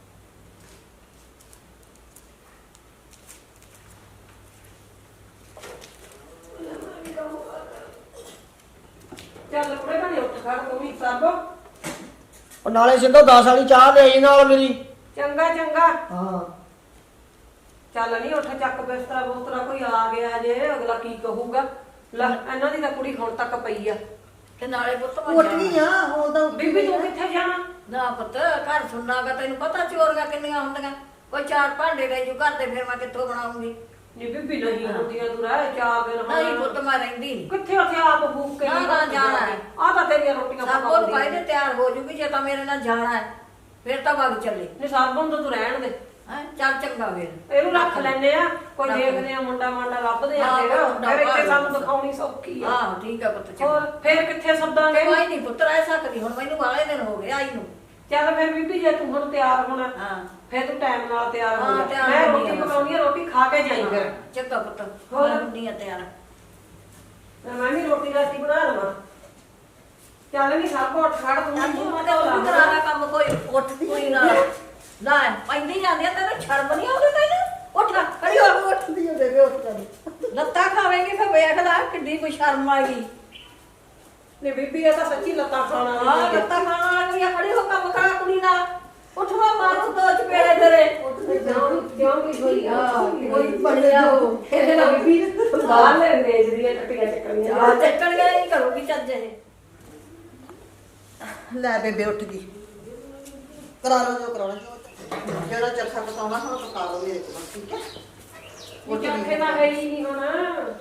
[SPEAKER 1] ਚੱਲ ਕੁੜੇ ਬਣੇ ਉੱਠ ਖੜ ਤੂੰ ਵੀ ਸਭ
[SPEAKER 4] ਉਹ ਨਾਲੇ ਸਿੱਧੋ ਦਸ ਵਾਲੀ ਚਾਹ ਲੈ ਆਈ ਨਾਲ ਮੇਰੀ
[SPEAKER 1] ਚੰਗਾ ਚੰਗਾ
[SPEAKER 4] ਹਾਂ
[SPEAKER 1] ਚੱਲ ਨਹੀਂ ਉੱਠ ਚੱਕ ਬਿਸਤਰਾ ਬੋਤਰਾ ਕੋਈ ਆ ਗਿਆ ਜੇ ਅਗਲਾ ਕੀ ਕਹੂਗਾ ਲੈ ਇਹਨਾਂ ਦੀ ਤਾਂ ਕੁੜੀ ਹੁਣ ਤੱਕ ਪਈ ਆ
[SPEAKER 2] ਤੇ ਨਾਲੇ ਪੁੱਤ ਮੈਂ
[SPEAKER 3] ਉੱਠ
[SPEAKER 2] ਜਾਣਾ।
[SPEAKER 3] ਗਈ ਆ ਹੁਣ ਤਾਂ
[SPEAKER 1] ਬੀਬੀ ਤੂੰ ਕਿੱਥੇ ਜਾਣਾ
[SPEAKER 2] ਨਾ ਪੁੱਤ ਘਰ ਸੁਣਨਾਗਾ ਤੈਨੂੰ ਪਤਾ ਚੋਰੀਆਂ ਕਿੰਨੀਆਂ ਹੁੰਦੀਆਂ ਕੋਈ ਚਾਰ ਭਾਂਡੇ ਲੈ ਜੂ ਘਰ ਦੇ ਫਿਰ ਮੈਂ ਕਿੱਥੋਂ ਬਣਾਉਂਗੀ
[SPEAKER 1] ਨੀ ਬੀਬੀ ਨਹੀਂ ਹੁੰਦੀਆਂ ਤੂੰ ਰਹਿ ਚਾਰ ਦਿਨ ਹੁਣ।
[SPEAKER 2] ਨਹੀਂ ਪੁੱਤ ਮੈਂ ਰਹਿੰਦੀ ਨਹੀਂ
[SPEAKER 1] ਕਿੱਥੇ ਉੱਥੇ ਆਪ ਭੂਖ ਕੇ
[SPEAKER 2] ਨਾ, ਨਾ, ਜਾਣਾ ਹੈ।
[SPEAKER 1] ਆ ਤਾਂ ਤੇਰੀਆਂ ਰੋਟੀਆਂ
[SPEAKER 2] ਸਭ ਕੋਲ ਪਾਇਦੇ ਤਿਆਰ ਹੋ ਜੂਗੀ ਜੇ ਤਾਂ ਮੇਰੇ ਨਾਲ ਜਾਣਾ ਹੈ ਫਿਰ ਤਾਂ ਵਗ ਚੱਲੇ
[SPEAKER 1] ਨਹੀਂ ਸਰਬਨ ਤੋਂ ਤੂੰ ਰਹਿਣ ਦੇ
[SPEAKER 2] ਹੈ ਚੱਲ ਚੰਗਾ ਫਿਰ
[SPEAKER 1] ਇਹਨੂੰ ਰੱਖ ਲੈਨੇ ਆ ਕੋਈ
[SPEAKER 2] ਰੱਖ
[SPEAKER 1] ਦੇਖਦੇ ਆ ਮੁੰਡਾ ਮਾਂਡਾ ਲੱਭਦੇ ਆ
[SPEAKER 2] ਹਾਂ,
[SPEAKER 1] ਫਿਰ
[SPEAKER 2] ਮੁੰਡਾ
[SPEAKER 1] ਫਿਰ ਇੱਥੇ
[SPEAKER 2] ਭਾਲ
[SPEAKER 1] ਸਾਨੂੰ ਦਿਖਾਉਣੀ ਸੌਖੀ ਆ
[SPEAKER 2] ਆਹ ਠੀਕ ਆ ਪੁੱਤ
[SPEAKER 1] ਹੋਰ
[SPEAKER 2] ਚੰਗਾ
[SPEAKER 1] ਫਿਰ ਕਿੱਥੇ ਸੱਦਾਂਗੇ
[SPEAKER 2] ਕੋਈ ਨਹੀਂ ਪੁੱਤ ਰਹਿ ਸਕਦੀ ਹੁਣ ਮੈਨੂੰ ਵਾਲੇ ਦਿਨ ਹੋ ਗਏ ਆਈ ਨੂੰ
[SPEAKER 1] ਚੱਲ ਫਿਰ ਬੀਬੀ ਜੇ ਤੂੰ ਹੁਣ ਤਿਆਰ ਹੋਣਾ
[SPEAKER 2] ਹਾਂ
[SPEAKER 1] ਫਿਰ ਤੂੰ ਟਾਈਮ ਨਾਲ ਤਿਆਰ ਹੋ
[SPEAKER 2] ਹਾਂ,
[SPEAKER 1] ਜਾ
[SPEAKER 2] ਤਿਆਰ
[SPEAKER 1] ਮੈਂ
[SPEAKER 2] ਹੁੰਦੀ
[SPEAKER 1] ਰੋਟੀ
[SPEAKER 2] ਆ ਬਸ।
[SPEAKER 1] ਪਕਾਉਣੀ ਆ ਰੋਟੀ ਖਾ ਕੇ ਜਾਈ ਫਿਰ
[SPEAKER 2] ਚੰਗਾ ਪੁੱਤ
[SPEAKER 1] ਹੋਰ?
[SPEAKER 2] ਮੈਂ ਹੁੰਦੀ ਆ ਤਿਆਰ
[SPEAKER 1] ਮੈਂ ਵੀ ਰੋਟੀ ਰਾਤੀ ਬਣਾ ਲਵਾਂ ਚੱਲ ਨਹੀਂ ਸਭ ਉੱਠ ਖੜ ਤੂੰ
[SPEAKER 2] ਤੂੰ
[SPEAKER 1] ਮੂੰਹ
[SPEAKER 2] ਉਹਦੇ
[SPEAKER 1] ਧੋ ਲਾ।
[SPEAKER 2] ਕੋਲ ਕਰਾ ਲੈ ਕੰਮ ਕੋਈ ਉੱਠਦੀ ਕੋਈ ਨਾ ਲੈ ਪੈਂਦੀ ਜਾਂਦੀ ਆ ਤੈਨੂੰ ਸ਼ਰਮ ਨਹੀਂ ਆਉਂਦੀ ਤੈਨੂੰ ਉੱਠ ਖੜੀ ਹੋ
[SPEAKER 3] ਉੱਠਦੀ ਆ ਬੇਬੇ ਉੱਠ ਜਾਂਦੀ
[SPEAKER 2] ਲੱਤਾਂ ਖਾਵੇਂਗੀ ਫਿਰ ਵੇਖ ਲੈ ਕਿੱਡੀ ਕੋਈ ਸ਼ਰਮ ਆਏਗੀ
[SPEAKER 1] ਨਹੀਂ ਬੀਬੀ ਇਹ ਤਾਂ ਸੱਚੀ ਲੱਤਾਂ ਖਾਣ
[SPEAKER 2] ਹਾਂ
[SPEAKER 1] ਵਾਲੀ ਹੈ
[SPEAKER 2] ਲੱਤਾਂ ਖਾਣ ਵਾਲੀ ਆ ਖੜੀ ਹੋ ਕੰਮ ਕਰਾ ਕੁੜੀ ਨਾਲ ਉੱਠਵਾ ਮਾਰੂ ਦੋ ਚਪੇੜੇ ਤੇਰੇ
[SPEAKER 1] ਕਿਉਂ ਕਿਉਂ ਕੀ ਹੋਈ ਆ
[SPEAKER 2] ਕੋਈ ਬਣਿਆ ਹੋ
[SPEAKER 1] ਇਹਦੇ ਨਾਲ ਬੀਬੀ ਬਾਹਰ ਲੈ ਵੇਚਦੀਆਂ ਟੱਟੀਆਂ ਚੱਕਣੀਆਂ
[SPEAKER 2] ਆ ਚੱਕਣ ਗਏ ਨਹੀਂ ਕਰੂਗੀ ਚੱਜ ਇਹ
[SPEAKER 3] ਲੈ ਬੇਬੇ ਉੱਠ ਗਈ ਕਰਾ ਲਓ ਜੋ ਕਰਾਉਣਾ ਜੋ ਜਿਹੜਾ ਚਰਖਾ ਪਕਾਉਣਾ ਹੁਣ ਪਕਾ ਲਓ ਮੇਰੇ ਕੋਲ ਠੀਕ ਹੈ
[SPEAKER 1] ਉਹ ਚੱਕੇ ਤਾਂ ਹੈ ਹੀ ਨਹੀਂ ਹੁਣ।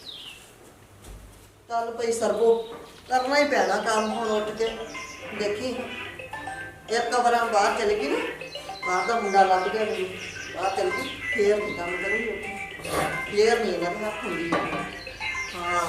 [SPEAKER 3] ਚੱਲ ਭਈ ਸਰਬੋ ਕਰਨਾ ਹੀ ਪੈਣਾ ਕੰਮ ਹੁਣ ਉੱਠ ਕੇ ਦੇਖੀ ਇੱਕ ਵਾਰਾਂ ਬਾਹਰ ਚਲੇ ਗਈ ਨਾ ਬਾਹਰ ਦਾ ਮੁੰਡਾ ਲੱਭ ਗਿਆ ਮੈਨੂੰ ਬਾਹਰ ਚਲ ਗਈ ਫੇਰ ਨਹੀਂ ਕੰਮ ਕਰੂੰਗੀ ਉੱਠ ਫੇਰ ਨਹੀਂ ਇਹਨਾਂ ਨੂੰ ਰੱਖੂੰਗੀ ਹਾਂ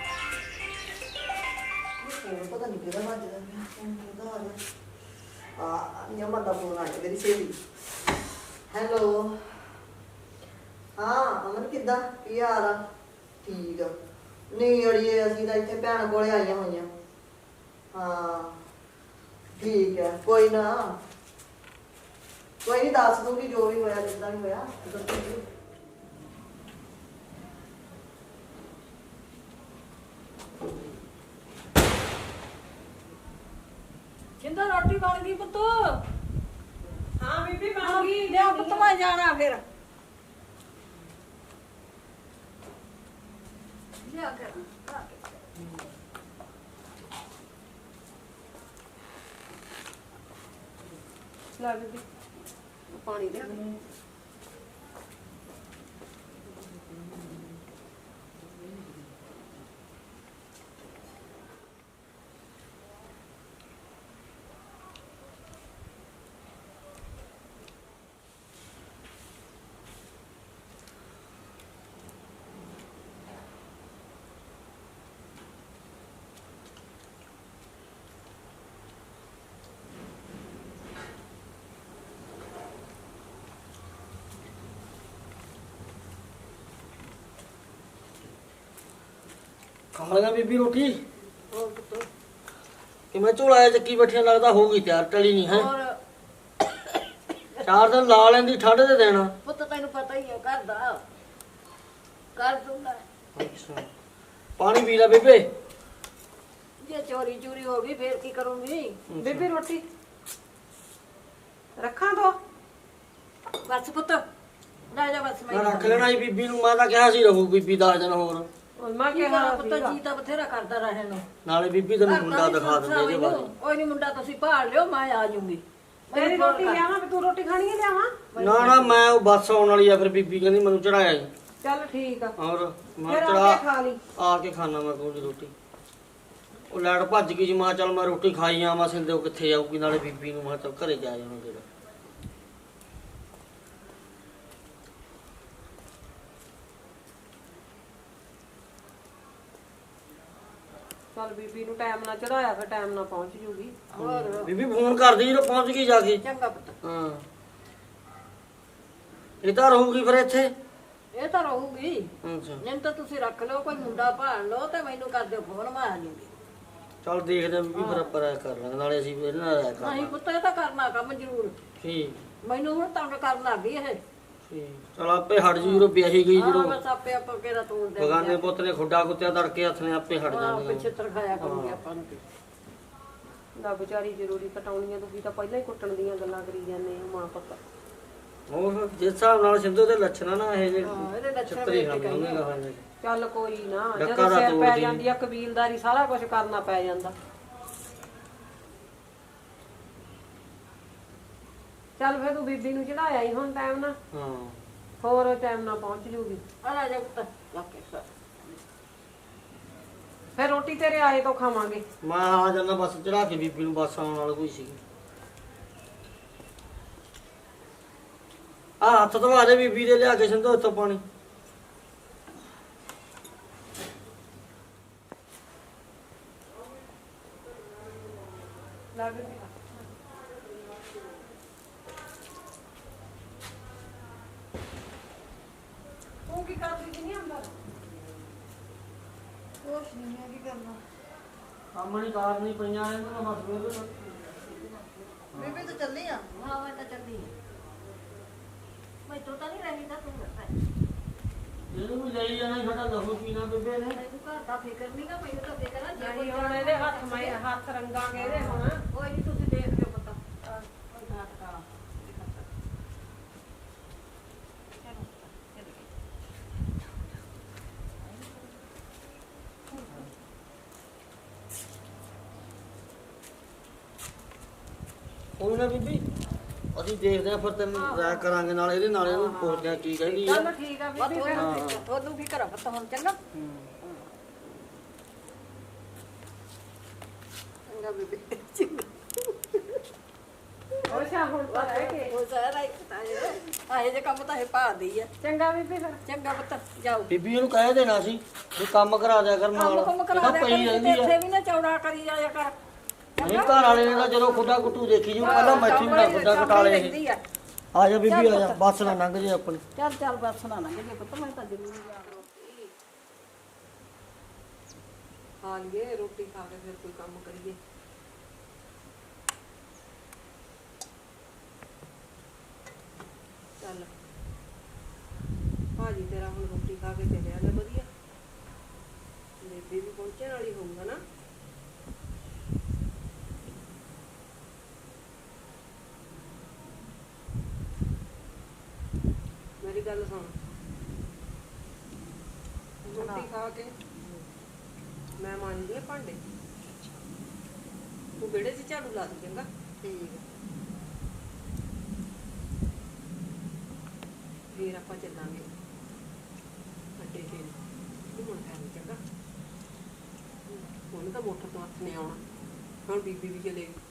[SPEAKER 3] ਉਹ ਪਤਾ ਨਹੀਂ ਕਿਹਦਾ ਵੱਜਦਾ ਪਿਆ ਫੋਨ ਕਿਹਦਾ ਆ ਗਿਆ ਆ ਨਿਯਮਾ ਦਾ ਫੋਨ ਆ ਗਿਆ ਮੇਰੀ ਸਹੇਲੀ ਹੈਲੋ ਹਾਂ ਅਮਨ ਕਿੱਦਾਂ ਕੀ ਹਾਲ ਆ ਠੀਕ ਆ ਨਹੀਂ ਅੜੀਏ ਅਸੀਂ ਤਾਂ ਇੱਥੇ ਭੈਣ ਕੋਲੇ ਆਈਆਂ ਹੋਈਆਂ ਹਾਂ ਠੀਕ ਹੈ ਕੋਈ ਨਾ ਕੋਈ ਨਹੀਂ ਦੱਸ ਦੂੰਗੀ ਜੋ ਵੀ ਹੋਇਆ ਜਿੱਦਾਂ ਵੀ ਹੋਇਆ ਦੱਸੂਗੀ
[SPEAKER 2] ਜਿੰਦਾ ਰੋਟੀ ਬਣ ਗਈ ਪੁੱਤ
[SPEAKER 1] ਹਾਂ ਬੀਬੀ ਬਣ ਗਈ।
[SPEAKER 2] ਲਿਆ ਪੁੱਤ ਮੈਂ ਜਾਣਾ ਫਿਰ ਲਿਆ ਕਰ
[SPEAKER 1] ਲੈ ਬੀਬੀ ਪਾਣੀ ਦੇ
[SPEAKER 4] ਖਾ ਲਿਆ ਬੀਬੀ ਰੋਟੀ ਕਿ ਮੈਂ ਝੋਲਾ ਚੱਕੀ ਬੈਠੀਆਂ ਲੱਗਦਾ ਹੋਊਗੀ ਤਿਆਰ ਟਲੀ ਨਹੀਂ ਹੈ
[SPEAKER 2] ਹੋਰ
[SPEAKER 4] ਚਾਰ ਦਿਨ ਲਾ ਲੈਂਦੀ ਠੰਡ ਦੇ ਦੇਣਾ
[SPEAKER 2] ਪੁੱਤ ਤੈਨੂੰ ਪਤਾ ਹੀ ਹੈ ਘਰ ਦਾ ਕਰ ਦੂੰਗਾ
[SPEAKER 4] ਅੱਛਾ ਪਾਣੀ ਪੀ ਲੈ ਬੇਬੇ
[SPEAKER 2] ਜੇ ਚੋਰੀ ਚੋਰੀ ਹੋ ਗਈ ਫੇਰ ਕੀ ਕਰੂੰਗੀ
[SPEAKER 1] ਬੀਬੀ ਰੋਟੀ ਰੱਖਾਂ ਦੋ
[SPEAKER 2] ਬਸ ਪੁੱਤ ਲੈ ਜਾ ਬਸ
[SPEAKER 4] ਮੈਂ ਰੱਖ ਲੈਣਾ ਸੀ ਬੀਬੀ ਨੂੰ ਮੈਂ ਤਾਂ ਕਿਹਾ ਸੀ ਰਹੂ ਬੀਬੀ ਦਸ ਦਿਨ ਹੋਰ
[SPEAKER 1] ਹੁਣ ਮੈਂ
[SPEAKER 2] ਕੀ
[SPEAKER 1] ਕਿਹਾ
[SPEAKER 2] ਕਰਾਂ ਪੁੱਤ
[SPEAKER 1] ਸੀਗਾ।
[SPEAKER 2] ਜੀ ਤਾਂ ਬਥੇਰਾ ਕਰਦਾ ਰਹਿਣ ਨੂੰ
[SPEAKER 4] ਨਾਲੇ ਬੀਬੀ ਤੈਨੂੰ ਮੁੰਡਾ ਦਿਖਾ ਦਿੰਦੇ ਇਹਦੇ ਬਾਰੇ
[SPEAKER 2] ਕੋਈ ਨਹੀਂ ਮੁੰਡਾ ਤੁਸੀਂ ਭਾਲ ਲਿਓ ਮੈਂ ਆ ਜਾਊਂਗੀ
[SPEAKER 1] ਤੇਰੀ ਰੋਟੀ ਲਿਆਵਾਂ ਵੀ ਤੂੰ ਰੋਟੀ ਖਾਣੀ ਹੈ ਲਿਆਵਾਂ
[SPEAKER 4] ਨਾ ਨਾ ਮੈਂ ਉਹ ਬੱਸ ਆਉਣ ਵਾਲੀ ਆ ਫਿਰ ਬੀਬੀ ਕਹਿੰਦੀ ਮੈਨੂੰ ਚੜਾਇਆ ਜੀ
[SPEAKER 1] ਚੱਲ ਠੀਕ ਆ
[SPEAKER 4] ਔਰ ਮੈਂ
[SPEAKER 1] ਫਿਰ ਆ
[SPEAKER 4] ਚੜਾ
[SPEAKER 1] ਕੇ ਖਾ ਲਈ
[SPEAKER 4] ਆ ਕੇ ਖਾਣਾ ਮੈਂ ਕੋਈ ਰੋਟੀ ਉਹ ਲੈਟ ਭੱਜ ਗਈ ਜੀ ਮੈਂ ਕਿਹਾ ਚੱਲ ਮੈਂ ਰੋਟੀ ਖਾਈ ਆਵਾਂ ਸਿੰਦੇ ਉਹ ਕਿੱਥੇ ਜਾਊਗੀ ਨਾਲੇ ਬੀਬੀ ਨੂੰ ਮੈਂ ਕਿਹਾ ਚੱਲ ਘਰੇ ਜਾ ਜਾਣਾ ਜਿਹੜਾ
[SPEAKER 1] ਚੱਲ ਬੀਬੀ ਨੂੰ ਟਾਈਮ ਨਾਲ ਚੜਾਇਆ ਫਿਰ ਟਾਈਮ ਨਾਲ ਪਹੁੰਚ ਜੂਗੀ
[SPEAKER 2] ਹੋਰ
[SPEAKER 4] ਬੀਬੀ ਫੋਨ ਕਰਦੀ ਜਦੋਂ ਪਹੁੰਚ ਗਈ ਜਾ ਕੇ
[SPEAKER 2] ਚੰਗਾ ਪੁੱਤ
[SPEAKER 4] ਹਾਂ ਇਹ ਤਾਂ ਰਹੂਗੀ ਫਿਰ ਇੱਥੇ
[SPEAKER 2] ਇਹ ਤਾਂ ਰਹੂਗੀ
[SPEAKER 4] ਅੱਛਾ
[SPEAKER 2] ਨਹੀਂ ਤਾਂ ਤੁਸੀਂ ਰੱਖ ਲਓ ਕੋਈ ਮੁੰਡਾ ਭਾਲ ਲਓ ਤੇ ਮੈਨੂੰ ਕਰ ਦਿਓ ਫੋਨ ਮੈਂ ਆ ਜਾਊਂਗੀ
[SPEAKER 4] ਚੱਲ ਦੇਖਦੇ ਆਂ ਬੀਬੀ ਫਿਰ ਆਪਾਂ ਰਾਇ ਕਰ ਲਾਂਗੇ ਨਾਲੇ ਅਸੀਂ ਇਹਦੇ ਨਾਲ ਰਾਇ ਕਰ
[SPEAKER 2] ਨਹੀਂ
[SPEAKER 4] ਲਾਂਗੇ
[SPEAKER 2] ਪੁੱਤ ਇਹ ਤਾਂ ਕਰਨਾ ਕੰਮ ਜ਼ਰੂਰ
[SPEAKER 4] ਠੀਕ
[SPEAKER 2] ਮੈਨੂੰ ਹੁਣ ਤੰਗ ਕਰਨ ਲੱਗ ਗਈ ਇਹ
[SPEAKER 4] ਠੀਕ ਚਲ ਆਪੇ ਹਟ ਜੂ ਜਦੋਂ ਵਿਆਹੀ ਗਈ
[SPEAKER 2] ਹਾਂ
[SPEAKER 4] ਜਦੋਂ
[SPEAKER 2] ਬਸ ਆਪੇ ਆਪਾਂ ਕਿਹੜਾ ਤੋੜ ਦੇ
[SPEAKER 4] ਬਗਾਨੇ ਪੁੱਤ ਨੇ ਖੁੱਡਾ ਕੁੱਤਿਆ ਤੜਕੇ ਹੱਥ ਨੇ ਆਪੇ ਹਟ
[SPEAKER 2] ਹਾਂ
[SPEAKER 4] ਜਾਣਗੇ
[SPEAKER 2] ਪਿੱਛੇ ਤਰਖਾਇਆ ਕਰੂਗੀ ਆਪਾਂ ਨੂੰ
[SPEAKER 1] ਨਾ ਵਿਚਾਰੀ ਜ਼ਰੂਰੀ ਕਟਾਉਣੀਆਂ ਤੁਸੀਂ ਤਾਂ ਪਹਿਲਾਂ ਹੀ ਕੁੱਟਣ ਦੀਆਂ ਗੱਲਾਂ ਕਰੀ ਜਾਂਦੇ ਹੋ ਮਾਂ ਪੁੱਤ
[SPEAKER 4] ਹੋਰ ਜਿਸ ਹਿਸਾਬ ਨਾਲ ਸਿੰਧੂ ਦੇ ਲੱਛਣ ਆ ਨਾ ਇਹ ਜੇ
[SPEAKER 2] ਹਾਂ ਇਹਦੇ ਲੱਛਣ
[SPEAKER 4] ਛੱਤਰੀ
[SPEAKER 2] ਵੇਖ ਕੇ
[SPEAKER 4] ਖਾਂਦੇ
[SPEAKER 2] ਕਹਿੰਦੀ
[SPEAKER 4] ਉਹਨੇ ਕਹਾਂਗੇ
[SPEAKER 1] ਚੱਲ ਕੋਈ ਨਾ
[SPEAKER 4] ਡੱਕਾ
[SPEAKER 1] ਜਦੋਂ
[SPEAKER 4] ਦਾ
[SPEAKER 1] ਸਿਰ ਪੈ
[SPEAKER 4] ਤੋੜਦੀ।
[SPEAKER 1] ਜਾਂਦੀ ਆ ਕਬੀਲਦਾਰੀ ਸਾਰਾ ਕੁਝ ਕਰਨਾ ਪੈ ਜਾਂਦਾ ਚੱਲ ਫਿਰ ਤੂੰ ਬੀਬੀ ਨੂੰ ਚੜਾਇਆ ਹੀ ਹੁਣ ਟਾਈਮ ਨਾਲ
[SPEAKER 4] ਹਾਂ
[SPEAKER 1] ਹੋਰ ਟਾਈਮ ਨਾਲ ਪਹੁੰਚ ਜੂਗੀ
[SPEAKER 2] ਆ ਲੈ ਜਾ ਪੁੱਤ ਲੱਗ ਕੇ ਖਾ।
[SPEAKER 1] ਫਿਰ ਰੋਟੀ ਤੇਰੇ ਆਏ ਤੋਂ ਖਾਵਾਂਗੇ
[SPEAKER 4] ਮੈਂ ਆ ਜਾਂਦਾ ਬਸ ਚੜਾ ਕੇ ਬੀਬੀ ਨੂੰ ਬੱਸ ਆਉਣ ਵਾਲਾ ਕੋਈ ਸੀ ਆ ਹੱਥ ਧਵਾ ਦੇ ਬੀਬੀ ਦੇ ਲਿਆ ਕੇ ਸਿੰਧੂ ਇੱਥੋਂ ਪਾਣੀ
[SPEAKER 1] ਲੱਗ ਤੂੰ ਕੀ ਕਰਦੀ ਸੀ ਨਹੀਂ ਅੰਦਰ
[SPEAKER 3] ਕੁਛ ਨਹੀਂ ਹੈ ਕੀ ਕਰਨਾ
[SPEAKER 4] ਕੰਮ ਨਹੀਂ ਕਾਰ ਨਹੀਂ ਪਈਆਂ ਇਹਨਾਂ ਨੂੰ ਬਸ ਵੇਲੇ
[SPEAKER 3] ਬੀਬੀ ਤੂੰ ਚੱਲੀ ਆ
[SPEAKER 2] ਹਾਂ ਮੈਂ ਤਾਂ ਚੱਲੀ ਮੈਂ ਤੋਂ ਤਾਂ ਨਹੀਂ ਰਹੀ ਤਾਂ ਤੂੰ ਰਹਿ
[SPEAKER 4] ਇਹਨੂੰ ਵੀ ਲਈ ਜਾਣਾ ਸਾਡਾ ਲਹੂ ਪੀਣਾ ਬੇਬੇ ਨੇ
[SPEAKER 2] ਤੂੰ ਘਰ ਦਾ ਫਿਕਰ ਨਹੀਂ ਗਾ ਮੈਨੂੰ ਤਾਂ ਫਿਕਰ ਆ ਜੇ ਕੋਈ
[SPEAKER 1] ਨਹੀਂ ਹੁਣ ਇਹਦੇ ਹੱਥ ਮੈਂ ਹੱਥ ਰੰਗਾਂਗੇ ਇਹਦੇ ਹੁਣ
[SPEAKER 2] ਕੋਈ ਨਹੀਂ ਤੁਸੀਂ ਦੇਖ ਲਿਓ ਪਤਾ ਕੋਈ ਘਾਟ ਕਾਲਾ
[SPEAKER 4] ਕੋਈ ਨਾ ਬੀਬੀ ਅਸੀਂ ਦੇਖਦੇ ਆ ਫਿਰ ਤੈਨੂੰ ਰਾਇ ਕਰਾਂਗੇ ਨਾਲ ਇਹਦੇ ਨਾਲ ਇਹਨੂੰ ਪੁੱਛਦੇ ਆ ਕੀ ਕਹਿੰਦੀ ਆ
[SPEAKER 1] ਚੱਲ ਠੀਕ ਆ ਬੀਬੀ ਫਿਰ
[SPEAKER 2] ਉਹਨੂੰ ਵੀ ਘਰ ਪਤਾ ਹੁਣ ਚੰਗਾ
[SPEAKER 3] ਚੰਗਾ ਬੀਬੀ
[SPEAKER 1] ਉਹ ਸ਼ਾਮ ਹੁਣ ਤਾਂ ਰਹਿ ਕੇ
[SPEAKER 2] ਉਹ ਸਾਰਾ ਹੀ ਪਤਾ ਹੈ ਆਏ ਜੇ ਕੰਮ ਤਾਂ ਇਹ ਭਾਦੀ ਆ
[SPEAKER 1] ਚੰਗਾ ਬੀਬੀ ਫਿਰ
[SPEAKER 2] ਚੰਗਾ ਪੁੱਤ ਜਾਓ
[SPEAKER 4] ਬੀਬੀ ਇਹਨੂੰ ਕਹਿ ਦੇਣਾ ਸੀ ਵੀ ਕੰਮ ਕਰਾ ਦਿਆ ਕਰ ਨਾਲ
[SPEAKER 2] ਕੰਮ ਕੰਮ ਕਰਾ
[SPEAKER 4] ਇਹਦਾ
[SPEAKER 2] ਦੇ
[SPEAKER 4] ਪਈ ਰਹਿੰਦੀ ਆ
[SPEAKER 2] ਇੱਥੇ ਵੀ ਨਾ ਚੌੜਾ ਕਰੀ ਜਾਇਆ ਕਰ
[SPEAKER 4] ਨਹੀਂ ਘਰ ਵਾਲੇ ਨੇ ਤਾਂ ਜਦੋਂ ਖੁੱਡਾ ਕੁੱਟੂ ਦੇਖੀ ਜੂ ਪਹਿਲਾਂ ਮੈਥੀ ਵੀ ਨਾ ਖੁੱਡਾ ਕਟਾਲੇ ਇਹ
[SPEAKER 2] ਆ
[SPEAKER 4] ਆ ਜਾ ਬੀਬੀ ਆ ਜਾ ਬੱਸ ਨਾ ਲੰਘ ਜੇ ਆਪਣੀ
[SPEAKER 2] ਚੱਲ ਚੱਲ ਬਸ ਨਾ ਲੰਘ ਜੇ ਪੁੱਤ ਮੈਂ ਤਾਂ ਜ਼ਰੂਰ ਜਾਣਾ
[SPEAKER 1] ਹਾਂ ਲਈਏ ਰੋਟੀ ਖਾ ਕੇ ਫਿਰ ਕੋਈ ਕੰਮ ਕਰੀਏ ਚੱਲ ਭਾਜੀ ਤੇਰਾ ਹੁਣ ਰੋਟੀ ਖਾ ਕੇ ਚੱਲਿਆ ਲੈ ਵਧੀਆ ਬੇਬੀ ਵੀ ਪਹੁੰਚਣ ਵਾਲੀ ਹੋਊਗਾ ਨਾ ਮੇਰੀ ਗੱਲ ਸੁਣ ਰੋਟੀ ਖਾ ਕੇ ਮੈਂ ਮਾਂਜਦੀ ਆ ਭਾਂਡੇ ਤੂੰ ਵਿਹੜੇ 'ਚ ਝਾੜੂ ਲਾ ਦੇ ਚੰਗਾ
[SPEAKER 3] ਠੀਕ ਹੈ
[SPEAKER 1] ਫੇਰ ਆਪਾਂ ਚੱਲਾਂਗੇ ਅੱਡੇ ਤੇ ਘੁੰਮਣ ਫਿਰਨ ਚੰਗਾ ਹੁਣ ਤਾਂ ਮੋਟਰ ਤੋਂ ਹੱਥ ਨਹੀਂ ਆਉਣਾ ਹੁਣ ਬੀਬੀ ਵੀ ਚਲੇਗੀ